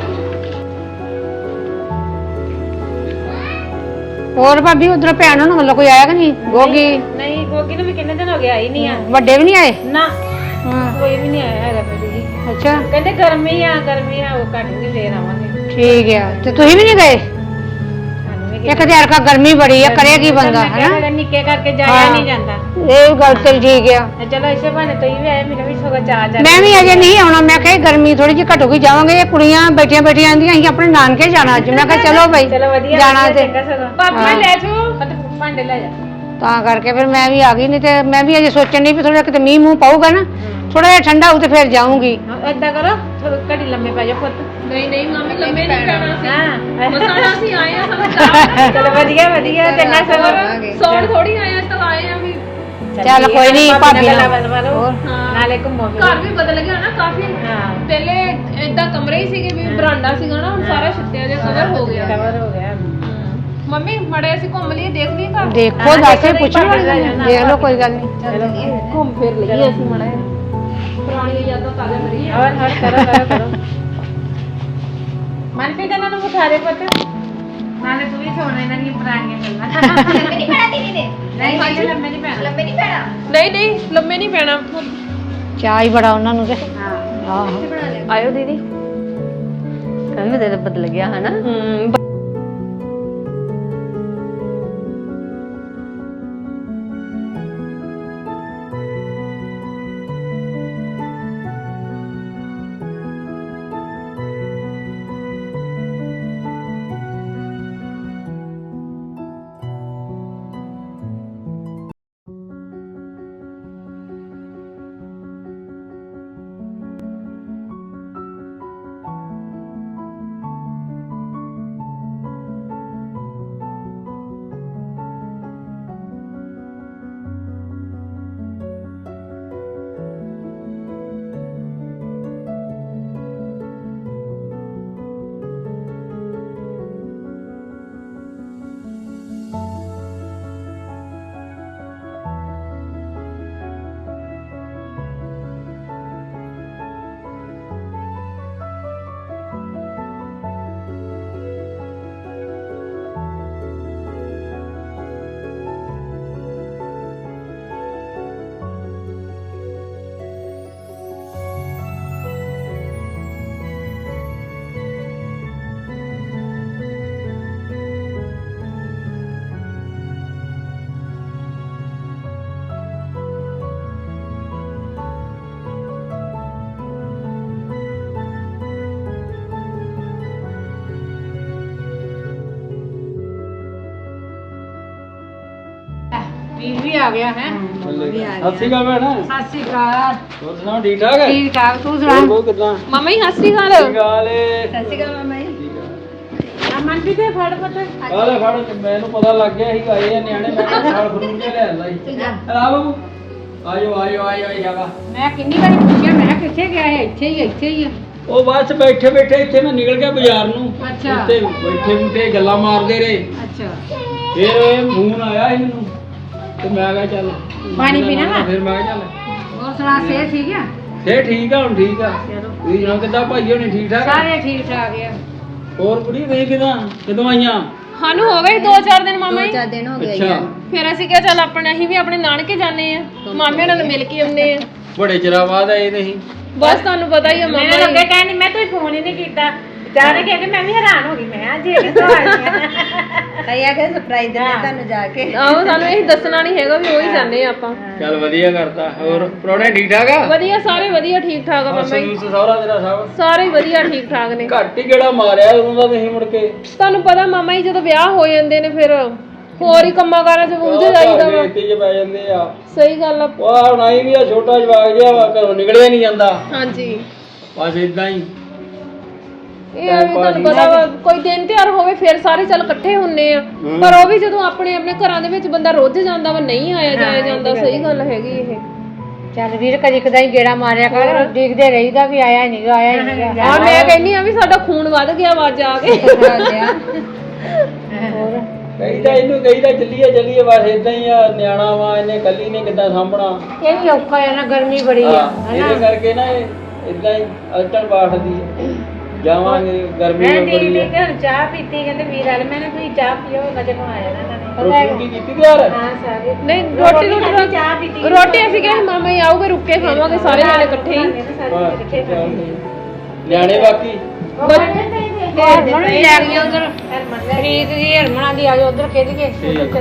S3: ਹੋਰ ਭਾਬੀ ਉਧਰੋਂ ਭੈਣ ਨੂੰ ਵੱਲੋਂ ਕੋਈ ਆਇਆ ਕਿ ਨਹੀਂ? ਗੋਗੀ
S2: ਨਹੀਂ, ਗੋਗੀ ਨੂੰ ਵੀ ਕਿੰਨੇ ਦਿਨ ਹੋ ਗਏ ਆਈ ਨਹੀਂ ਆ।
S3: ਵੱਡੇ ਵੀ ਨਹੀਂ ਆਏ?
S2: ਨਾ
S3: ਹਾਂ
S2: ਕੋਈ ਵੀ ਨਹੀਂ ਆਇਆ ਹੈਗਾ ਮੇਰੀ ਜੀ।
S3: ਅੱਛਾ
S2: ਕਹਿੰਦੇ ਗਰਮੀ ਆ ਗਰਮੀ ਆ, ਉਹ ਘਟੂਗੀ ਫੇਰ ਆਵਾਂਗੇ।
S3: ਠੀਕ ਆ ਤੇ ਤੁਸੀਂ ਵੀ ਨਹੀਂ ਗਏ? ਇੱਕ ਤੇ ਅਰਕਾ ਗਰਮੀ ਬੜੀ ਆ ਕਰੇ ਕੀ ਬੰਦਾ ਹੈ।
S2: ਨਿੱਕੇ ਕਰਕੇ ਜਾਇਆ ਨਹੀਂ ਜਾਂਦਾ।
S3: ਇਹ ਗੱਲ ਤੇ ਠੀਕ ਆ।
S2: ਚਲੋ ਇਸੇ ਬਹਾਨੇ ਤੁਸੀਂ ਵੀ ਆਏ, ਮੈਨੂੰ ਵੀ ਸਗੋਂ ਚਾਹ ਜਾ।
S3: ਮੈਂ ਵੀ ਅਜੇ ਨਹੀਂ ਆਉਣਾ। ਮੈਂ ਕਿਹਾ ਗਰਮੀ ਥੋੜੀ ਜਿਹੀ ਘਟੂਗੀ ਜਾਵਾਂਗੇ। ਇਹ ਕੁੜੀਆਂ ਬੈਠੀਆਂ ਬੈਠੀਆਂ ਆਂਦੀਆਂ ਅਸੀਂ ਆਪਣੇ ਨਾਨਕੇ ਜਾਣਾ ਅੱਜ। ਮੈਂ ਕਿਹਾ ਚਲੋ ਬਈ
S2: ਚਲੋ ਵਧੀਆ
S3: ਜਾਣਾ ਤੇ
S2: ਪਾਪਾ ਲੈ ਜਾਓ ਭਾਂਡੇ ਲੈ ਜਾ।
S3: ਤਾਂ ਕਰਕੇ ਫਿਰ ਮੈਂ ਵੀ ਆ ਗਈ। ਨਹੀਂ ਤੇ ਮੈਂ ਵੀ ਅਜੇ ਸੋਚਣ ਨਹੀਂ ਵੀ ਥੋੜਾ ਕਿਤੇ ਮੀਂਹ ਮੂੰਹ ਪਾਊਗਾ ਨਾ ਥੋੜਾ ਜਿਹਾ ਠੰਡਾ ਹੋਊ ਤੇ ਫਿਰ ਜਾਊਂਗੀ।
S2: ਏਦਾਂ ਕਰੋ ਘੜੀ ਲੰਮੇ ਪੈ ਜਾ ਪੁੱਤ। ਨਹੀਂ ਨਹੀਂ ਮੰਮੀ ਲੰਮੇ ਨਹੀਂ ਪੈਣਾ ਸੀ। ਹਾਂ ਮਸਾਣਾ ਅਸੀਂ ਆਏ ਆ ਸਾਨੂੰ ਚਾਹ।
S3: ਚਲੋ ਵਧੀਆ ਵਧੀਆ ਚੰਗਾ ਸਗੋਂ
S2: ਸੌਣ ਥੋੜੀ ਆਏ ਆ, ਤਾਂ ਆਏ ਆ ਵੀ।
S3: ਚੱਲ ਕੋਈ ਨਹੀਂ ਭਾਬੀ ਨਾਲ
S2: ਨਾਲੇ ਘੁੰਮੋ ਘਰ ਵੀ ਬਦਲ ਗਿਆ ਨਾ ਕਾਫੀ। ਪਹਿਲੇ ਏਦਾਂ ਕਮਰੇ ਹੀ ਸੀਗੇ ਵੀ ਬਰਾਂਡਾ ਸੀਗਾ ਨਾ, ਹੁਣ ਸਾਰਾ ਛੱਤਿਆ ਜਿਹਾ ਕਵਰ ਹੋ ਗਿਆ। ਕਵਰ ਹੋ ਗਿਆ। ਮੰਮੀ ਮੜੇ ਅਸੀਂ ਘੁੰਮ ਲਈਏ, ਦੇਖ ਲਈਏ ਘਰ।
S3: ਦੇਖੋ ਦੱਸੇ ਪੁੱਛ ਲਓ ਦੇਖ ਲਓ ਕੋਈ ਗੱਲ ਨਹੀਂ।
S2: ਚਲੋ ਘੁੰਮ ਫਿਰ ਲਈਏ ਅਸੀਂ ਮੜਾ ਪੁਰਾਣੀਆਂ ਯਾਦਾਂ ਤਾਜ਼ਾ ਕਰੀਏ। ਹੋਰ ਹੋਰ ਕਰੋ ਕਰੋ ਕਰੋ। ਮਨਪ੍ਰੀਤ ਇਹਨਾਂ ਨੂੰ ਬਿਠਾ ਦੇ ਪੁੱਤ, ਨਾਲੇ ਤੂੰ ਵੀ ਸੁਣ ਇਹਨਾਂ ਦੀਆਂ ਪੁਰਾਣੀਆਂ ਗੱਲਾਂ।
S1: ਲੰਮੇ ਨਹੀਂ ਪੈਣਾ ਦੀਦੀ ਨੇ?
S2: ਨਹੀਂ ਨਹੀਂ ਲੰਮੇ ਨਹੀਂ ਪੈਣਾ।
S1: ਲੰਮੇ ਨਹੀਂ ਪੈਣਾ?
S2: ਨਹੀਂ ਨਹੀਂ ਲੰਮੇ ਨਹੀਂ ਪੈਣਾ।
S3: ਚਾਹ ਹੀ ਬੜਾ ਉਹਨਾਂ ਨੂੰ ਤੇ
S2: ਹਾਂ
S3: ਆਹੋ
S2: ਆਇਓ ਦੀਦੀ।
S5: ਕੰਨ ਦੇ ਬਦਲ ਗਿਆ ਹਨਾ।
S2: ਹੂੰ
S4: ਵੀ ਆ ਗਿਆ ਹੈ
S6: ਸਤਿ ਸ਼੍ਰੀ ਅਕਾਲ ਭੈਣ
S4: ਸਤਿ ਸ਼੍ਰੀ ਅਕਾਲ
S6: ਹੋਰ ਸੁਣਾਓ ਠੀਕ ਠਾਕ ਹੈ
S4: ਠੀਕ ਠਾਕ ਤੂੰ ਸੁਣਾ
S6: ਹੋਰ ਬਹੁਤ ਕਿਦਾਂ
S2: ਮਾਮਾ ਜੀ ਹੱਸੀ
S6: ਸਤਿ
S2: ਹਾਲ
S6: ਸ਼੍ਰੀ ਅਕਾਲ ਏ।
S4: ਸਤਿ ਸ਼੍ਰੀ ਅਕਾਲ ਮਾਮਾ ਜੀ
S6: ਠੀਕ
S4: ਆ ਮੰਡੀ ਤੇ ਫੜ ਪਤਾ
S6: ਆ ਆਲੇ ਫੜ ਮੈਨੂੰ ਪਤਾ ਲੱਗ ਗਿਆ ਸੀ ਆਏ ਆ ਨਿਆਣੇ ਮੈਂ ਕਿਹਾ ਸਾਲ ਫਰੂਟ ਕੇ ਲੈ ਆਂਦਾ ਸੀ ਆ ਬਾਬੂ ਆਜੋ ਆਜੋ ਆਜੋ ਆਜੋ ਜਾਵਾ
S4: ਮੈਂ ਕਿੰਨੀ ਵਾਰੀ ਪੁੱਛਿਆ ਮੈਂ ਕਿਹਾ ਕਿੱਥੇ ਗਿਆ ਹੈ ਇੱਥੇ ਹੀ ਆ, ਇੱਥੇ ਹੀ ਆ
S6: ਉਹ ਬਸ ਬੈਠੇ ਬੈਠੇ ਇੱਥੇ ਮੈਂ ਨਿਕਲ ਗਿਆ ਬਾਜ਼ਾਰ ਨੂੰ
S4: ਅੱਛਾ।
S6: ਉੱਤੇ ਬੈਠੇ ਬੂਟੇ ਗੱਲਾਂ ਮਾਰਦੇ ਰਹੇ
S4: ਅੱਛਾ
S6: ਫਿਰ ਇਹ ਫੋਨ ਆਇਆ ਸੀ ਮੈਨੂੰ ਤੇ ਮੈਂ ਕਿਹਾ ਚੱਲ
S4: ਪਾਣੀ ਪੀਣਾ ਵਾ?
S6: ਫਿਰ ਮੈਂ ਕਿਹਾ ਚੱਲ
S4: ਹੋਰ ਸੁਣਾ ਸਿਹਤ ਠੀਕ ਆ
S6: ਫੇਰ ਠੀਕ ਆ ਹੁਣ ਠੀਕ ਆ
S4: ਚਲੋ
S6: ਤੁਸੀਂ ਜਣਾ ਕਿੱਦਾਂ ਭਾਈ ਹੋਣੀ ਠੀਕ ਠਾਕ ਆ?
S4: ਸਾਰੇ ਠੀਕ ਠਾਕ ਆ
S6: ਹੋਰ ਕੁੜੀ ਤੁਸੀਂ ਕਿਦਾਂ ਕਦੋਂ ਆਈਆਂ
S2: ਸਾਨੂੰ ਹੋ ਗਏ ਦੋ ਚਾਰ ਦਿਨ ਮਾਮਾ ਜੀ
S4: ਦਿਨ ਹੋ
S6: ਅੱਛਾ
S2: ਫਿਰ ਅਸੀਂ ਕਿਹਾ ਚੱਲ ਆਪਣੇ ਅਸੀਂ ਵੀ ਆਪਣੇ ਨਾਨਕੇ ਜਾਂਦੇ ਆ ਮਾਮੇ ਨਾਲ ਮਿਲ ਕੇ ਆਉਂਦੇ ਆ
S6: ਬੜੇ ਚਿਰਾਂ ਬਾਅਦ ਆਏ ਤੁਸੀਂ
S2: ਬਸ ਤੁਹਾਨੂੰ ਪਤਾ ਹੀ ਆ
S4: ਮੈਂ
S2: ਮਾਮਾ
S4: ਲੱਗੇ
S2: ਜੀ
S4: ਕਹਿੰਦੀ ਮੈਂ ਕੋਈ ਫੋਨ ਹੀ ਨਹੀਂ ਕੀਤਾ ਵਿਚਾਰੇ ਕਹਿੰਦੇ ਮੈਂ ਵੀ ਹੈਰਾਨ ਹੋ ਗਈ ਮੈਂ ਅੱਜ ਇਹ ਕਿੱਥੋਂ ਆ ਗਈਆਂ
S7: ਆਇਆ ਕਿ ਸਰਪ੍ਰਾਈਜ਼ ਦਿੰਦੇ ਤੁਹਾਨੂੰ ਜਾ ਕੇ
S2: ਆਹੋ ਸਾਨੂੰ ਇਹ ਦੱਸਣਾ ਨਹੀਂ ਹੈਗਾ ਵੀ ਉਹੀ ਜਾਂਦੇ ਆ ਆਪਾਂ
S6: ਚੱਲ ਵਧੀਆ ਕਰਤਾ ਹੋਰ ਪ੍ਰੋਣੇ ਠੀਕ ਠਾਕ ਆ
S2: ਵਧੀਆ ਸਾਰੇ ਵਧੀਆ ਠੀਕ ਠਾਕ ਆ ਮਾਮਾ ਜੀ
S6: ਸੂਸ ਸਹੁਰਾ ਤੇਰਾ ਸਭ
S2: ਸਾਰੇ ਹੀ ਵਧੀਆ ਠੀਕ ਠਾਕ ਨੇ
S6: ਘੱਟ ਹੀ ਕਿਹੜਾ ਮਾਰਿਆ ਉਦੋਂ ਦਾ ਤੁਸੀਂ ਮੁੜ ਕੇ
S2: ਤੁਹਾਨੂੰ ਪਤਾ ਮਾਮਾ ਜੀ ਜਦੋਂ ਵਿਆਹ ਹੋ ਜਾਂਦੇ ਨੇ ਫਿਰ ਹੋਰ ਹੀ ਕੰਮਾਂ ਕਾਰਾਂ 'ਚ ਉਲਝ ਜਾਈਦਾ ਵਾ
S6: ਇੱਥੇ ਚ ਪੈ ਜਾਂਦੇ ਆ
S2: ਸਹੀ ਗੱਲ ਆ
S6: ਵਾਹ ਹੁਣ ਆਈ ਵੀ ਆ ਛੋਟਾ ਜਵਾਗ ਜਿਹਾ ਵਾ ਘਰੋਂ ਨਿਕਲਿਆ ਨਹੀਂ ਜਾਂਦਾ
S2: ਹਾਂਜੀ
S6: ਬਸ ਇਦਾਂ ਹੀ
S2: ਇਹ ਆ ਵੀ ਤੁਹਾਨੂੰ ਪਤਾ ਵਾ ਕੋਈ ਦਿਨ ਤਿਉਹਾਰ ਹੋਵੇ ਫਿਰ ਸਾਰੇ ਚੱਲ ਇਕੱਠੇ ਹੁੰਨੇ ਆ ਪਰ ਉਹ ਵੀ ਜਦੋਂ ਆਪਣੇ ਆਪਣੇ ਘਰਾਂ ਦੇ ਵਿੱਚ ਬੰਦਾ ਰੁੱਝ ਜਾਂਦਾ ਵਾ ਨਹੀਂ ਆਇਆ ਜਾਇਆ ਜਾਂਦਾ ਸਹੀ ਗੱਲ ਹੈਗੀ ਇਹ
S4: ਚੱਲ ਵੀਰ ਕਦੀ ਕਦਾਈ ਗੇੜਾ ਮਾਰਿਆ ਕਰ ਦੇਖਦੇ ਰਹੀਦਾ ਵੀ ਆਇਆ ਨਹੀਂ ਆਇਆ ਨਹੀਂ
S2: ਹਾਂ ਮੈਂ ਕਹਿੰਨੀ ਆ ਵੀ ਸਾਡਾ ਖੂਨ ਵੱਧ ਗਿਆ ਵਾ ਜਾ ਕੇ
S6: ਕਹੀਦਾ ਇਹਨੂੰ ਕਹੀਦਾ ਚੱਲੀਏ ਚੱਲੀਏ ਬਸ ਇਦਾਂ ਹੀ ਆ ਨਿਆਣਾ ਵਾ ਇਹਨੇ ਕੱਲੀ ਨੇ ਕਿੱਦਾਂ ਸਾਂਭਣਾ
S4: ਇਹ ਵੀ ਔਖਾ ਹੈ ਨਾ ਗਰਮੀ ਬੜੀ ਆ
S6: ਹਾਂ, ਇਹਦੇ ਕਰਕੇ ਨਾ ਇਹ ਇਦਾਂ ਹੀ ਅਲਟਣ ਬਾਠਦੀ ਹੈ ਜਾਵਾਂਗੇ ਗਰਮੀ
S4: ਮੈਂ
S6: ਵੀ
S4: ਦੀਦੀ
S6: ਬੜੀ
S4: ਨੇ
S6: ਹੈ
S4: ਘਰ ਚਾਹ ਪੀਤੀ ਕਹਿੰਦੇ ਵੀਰ ਵਾਲੇ ਮੈਂ ਨਾ ਤੁਸੀਂ ਚਾਹ ਪੀਓ ਨਜ਼ਰ ਨੂੰ ਆਇਆ ਨਾ
S6: ਰੋਟੀ ਰੋਟੀ ਕੀਤੀ ਤਿਆਰ
S4: ਹਾਂ ਸਾਰੇ
S2: ਨਹੀਂ ਰੋਟੀ ਰੋਟੀ
S4: ਚਾਹ ਪੀਤੀ
S2: ਰੋਟੀ ਅਸੀਂ ਕਿਹਾ ਸੀ ਮਾਮਾ ਜੀ ਆਊਗੇ ਰੁੱਕ ਕੇ ਖਾਵਾਂਗੇ ਸਾਰੇ ਜਾਣੇ ਇਕੱਠੇ ਹੀ
S6: ਹਾਂ, ਨਿਆਣੇ ਬਾਕੀ
S4: ਹਰਮਨ ਵੀ ਲੈ ਗਈ ਉਧਰ ਪ੍ਰੀਤ ਦੀ ਹਰਮਨਾਂ ਦੀ ਆ ਜਾਓ ਉਧਰ ਖੇਡ ਕੇ
S6: ਠੀਕ।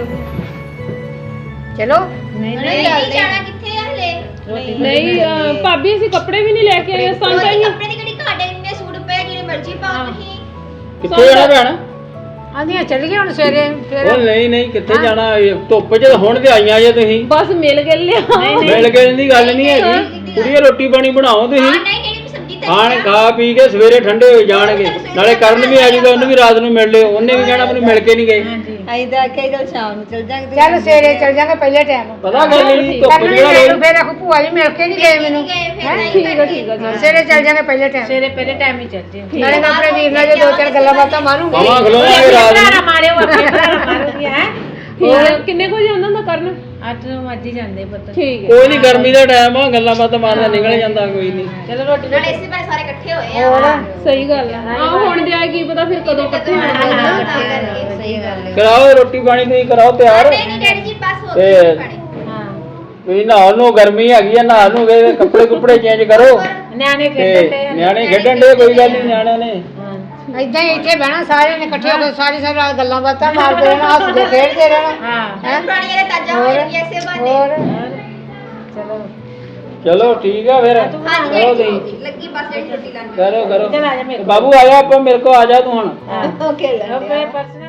S4: ਚਲੋ
S1: ਨਹੀਂ ਜਾਣਾ ਕਿੱਥੇ ਆ ਹਲੇ
S2: ਨਹੀਂ ਅਹ, ਭਾਬੀ ਅਸੀਂ ਕੱਪੜੇ ਵੀ ਨਹੀਂ ਲੈ ਕੇ ਆਏ ਸਾਨੂੰ ਤਾਂ ਅਸੀਂ
S1: ਕੱਪੜੇ ਦੀ ਕਿਹੜੀ ਘਾਟ ਹੈ ਇੰਨੇ ਸੂਟ ਪਏ ਜਿਹੜੇ ਮਰਜ਼ੀ ਪਾਓ ਤੁਸੀਂ
S6: ਕਿੱਥੇ ਜਾਣਾ ਭੈਣ
S4: ਆਂਦੀਆਂ ਚੱਲ ਗਏ ਹੁਣ ਸਵੇਰੇ ਫਿਰ
S6: ਉਹ ਨਹੀਂ ਨਹੀਂ ਕਿੱਥੇ ਜਾਣਾ ਇਹ ਧੁੱਪ ਚ ਹੁਣ ਤੇ ਆਈਆਂ ਜੇ ਤੁਸੀਂ
S2: ਬਸ ਮਿਲ ਗਏ ਲਿਆ
S6: ਮਿਲ ਗਏ ਦੀ ਗੱਲ ਨਹੀਂ ਹੈਗੀ ਕੁੜੀਏ ਰੋਟੀ ਪਾਣੀ ਬਣਾਓ ਤੁਸੀਂ
S1: ਨਹੀਂ ਕਿਹੜੀ ਸਬਜ਼ੀ ਤੇ
S6: ਖਾਣ ਖਾ ਪੀ ਕੇ ਸਵੇਰੇ ਠੰਡੇ ਹੋ ਜਾਣਗੇ ਨਾਲੇ ਕਰਨ ਵੀ ਆ ਜੂਗਾ ਉਹਨੂੰ ਵੀ ਰਾਤ ਨੂੰ ਮਿਲ ਲਿਓ ਉਹਨੇ ਵੀ ਕਹਿਣਾ ਮੈਨੂੰ ਮਿਲ ਕੇ ਨਹੀਂ ਗਏ
S7: ਆਈ ਤਾਂ ਕਈ ਗੱਲ ਸ਼ਾਮ ਨੂੰ ਚਲ ਜਾਾਂਗੇ
S4: ਚੱਲ ਸਵੇਰੇ ਚੱਲ ਜਾਾਂਗੇ ਪਹਿਲੇ ਟਾਈਮ
S6: ਪਤਾ ਗੱਲ ਨਹੀਂ ਧੁੱਪ
S4: ਕਰਨੀ
S6: ਜਿਹੜਾ
S4: ਮੈਨੂੰ
S6: ਰੋਜ਼
S4: ਫਿਰ ਆਖੂ ਭੂਆ ਜੀ ਮਿਲ ਕੇ ਨਹੀਂ ਗਏ ਮੈਨੂੰ
S1: ਗਏ ਫਿਰ ਨਹੀਂ
S2: ਠੀਕ ਆ ਠੀਕ ਆ ਜੀ
S4: ਸਵੇਰੇ ਚੱਲ ਜਾਾਂਗੇ ਪਹਿਲੇ ਟਾਈਮ ਸਵੇਰੇ ਪਹਿਲੇ ਟਾਈਮ ਹੀ ਚੱਲ ਜੇ ਨਾਲੇ ਮੈਂ ਆਪਣੇ ਵੀਰ ਨਾਲ ਜੇ ਦੋ ਚਾਰ ਗੱਲਾਂ ਬਾਤਾਂ ਮਾਰੂੰਗੀ
S6: ਮਾਮਾ ਖਲੋਵਾਂਗੇ ਰਾਤ ਨੂੰ
S4: ਮਾਰਿਓ ਆਪਣੇ ਭਰਾ ਮਾਰੂਗੀ ਹੈ
S2: ਠੀਕ ਆ ਕਿੰਨੇ ਕੁ ਜਾਂਦਾ ਹੁੰਦਾ ਕਰਨ
S4: ਅੱਠ ਨੂੰ ਵੱਜ ਹੀ ਜਾਂਦੇ ਪੁੱਤ
S2: ਠੀਕ ਹੈ
S6: ਕੋਈ ਨਹੀਂ ਗਰਮੀ ਦਾ ਟਾਈਮ ਆ ਗੱਲਾਂ ਬਾਤਾਂ ਮਾਰਦਾ ਨਿਕਲ ਜਾਂਦਾ ਕੋਈ ਨਹੀਂ
S4: ਚਲੋ ਰੋਟੀ
S1: ਨਾਲੇ ਇਸੇ ਬਾਰੇ ਸਾਰੇ ਇਕੱਠੇ ਹੋਏ ਆ
S2: ਸਹੀ ਗੱਲ ਆ ਆਹ ਹੁਣ ਜਾਏ ਕੀ ਪਤਾ ਫਿਰ ਕਦੋਂ ਇਕੱਠੇ ਹੋਣਗੇ
S7: ਸਹੀ ਗੱਲ ਹੈ
S6: ਕਰਾਓ ਰੋਟੀ ਪਾਣੀ ਤੁਸੀਂ ਕਰਾਓ ਤਿਆਰ
S1: ਨਹੀਂ ਨਹੀਂ ਡੈਡੀ ਜੀ ਬਸ ਹੋ
S6: ਤੇ
S1: ਗਈ ਪਾਣੀ
S6: ਤੁਸੀਂ ਨਹਾ ਨੂੰ ਗਰਮੀ ਹੈਗੀ ਆ ਨਹਾ ਨੂੰ ਗਏ ਕੱਪੜੇ ਕੁਪੜੇ ਚੇਂਜ ਕਰੋ
S4: ਨਿਆਣੇ
S6: ਤੇ
S4: ਖੇਡਣ ਦੇ
S6: ਨਿਆਣੇ ਖੇਡਣ ਦੇ ਕੋਈ ਗੱਲ ਨਹੀਂ ਨਿਆਣਿਆਂ ਨੇ
S4: ਇਦਾਂ ਹੀ ਇੱਥੇ ਬਹਿਣਾ ਸਾਰਿਆਂ ਨੇ ਇਕੱਠੇ ਹੋ ਕੇ ਸਾਰੀ ਸਾਰੀ ਰਾਤ ਗੱਲਾਂ ਬਾਤਾਂ ਮਾਰਦੇ ਰਹਿਣਾ ਹੱਸਦੇ ਖੇਡਦੇ ਰਹਿਣਾ ਹਾਂ
S1: ਪਾਣੀ ਵਾਲੇ ਤਾਜ਼ਾ ਹੋ ਜਾਣਗੇ ਇਸੇ ਬਾਰੇ
S4: ਹੋਰ ਚਲੋ
S6: ਚਲੋ ਠੀਕ ਆ ਫਿਰ
S1: ਹਾਂਜੀ
S6: ਕਰੋ
S1: ਡੈਡੀ
S6: ਤੁਸੀਂ
S1: ਜੀ, ਲੱਗੀ ਬਸ ਡੈਡੀ ਰੋਟੀ ਖਾਣ
S6: ਕਰੋ ਕਰੋ
S4: ਚੱਲ ਆ ਜਾ ਮੇਰੇ
S6: ਬਾਬੂ ਆ ਜਾ ਆਪਾਂ ਮੇਰੇ ਕੋ ਆ ਜਾ ਤੂੰ ਹੁਣ
S7: ਓਕੇ
S4: ਕੋਲ ਪਰਸ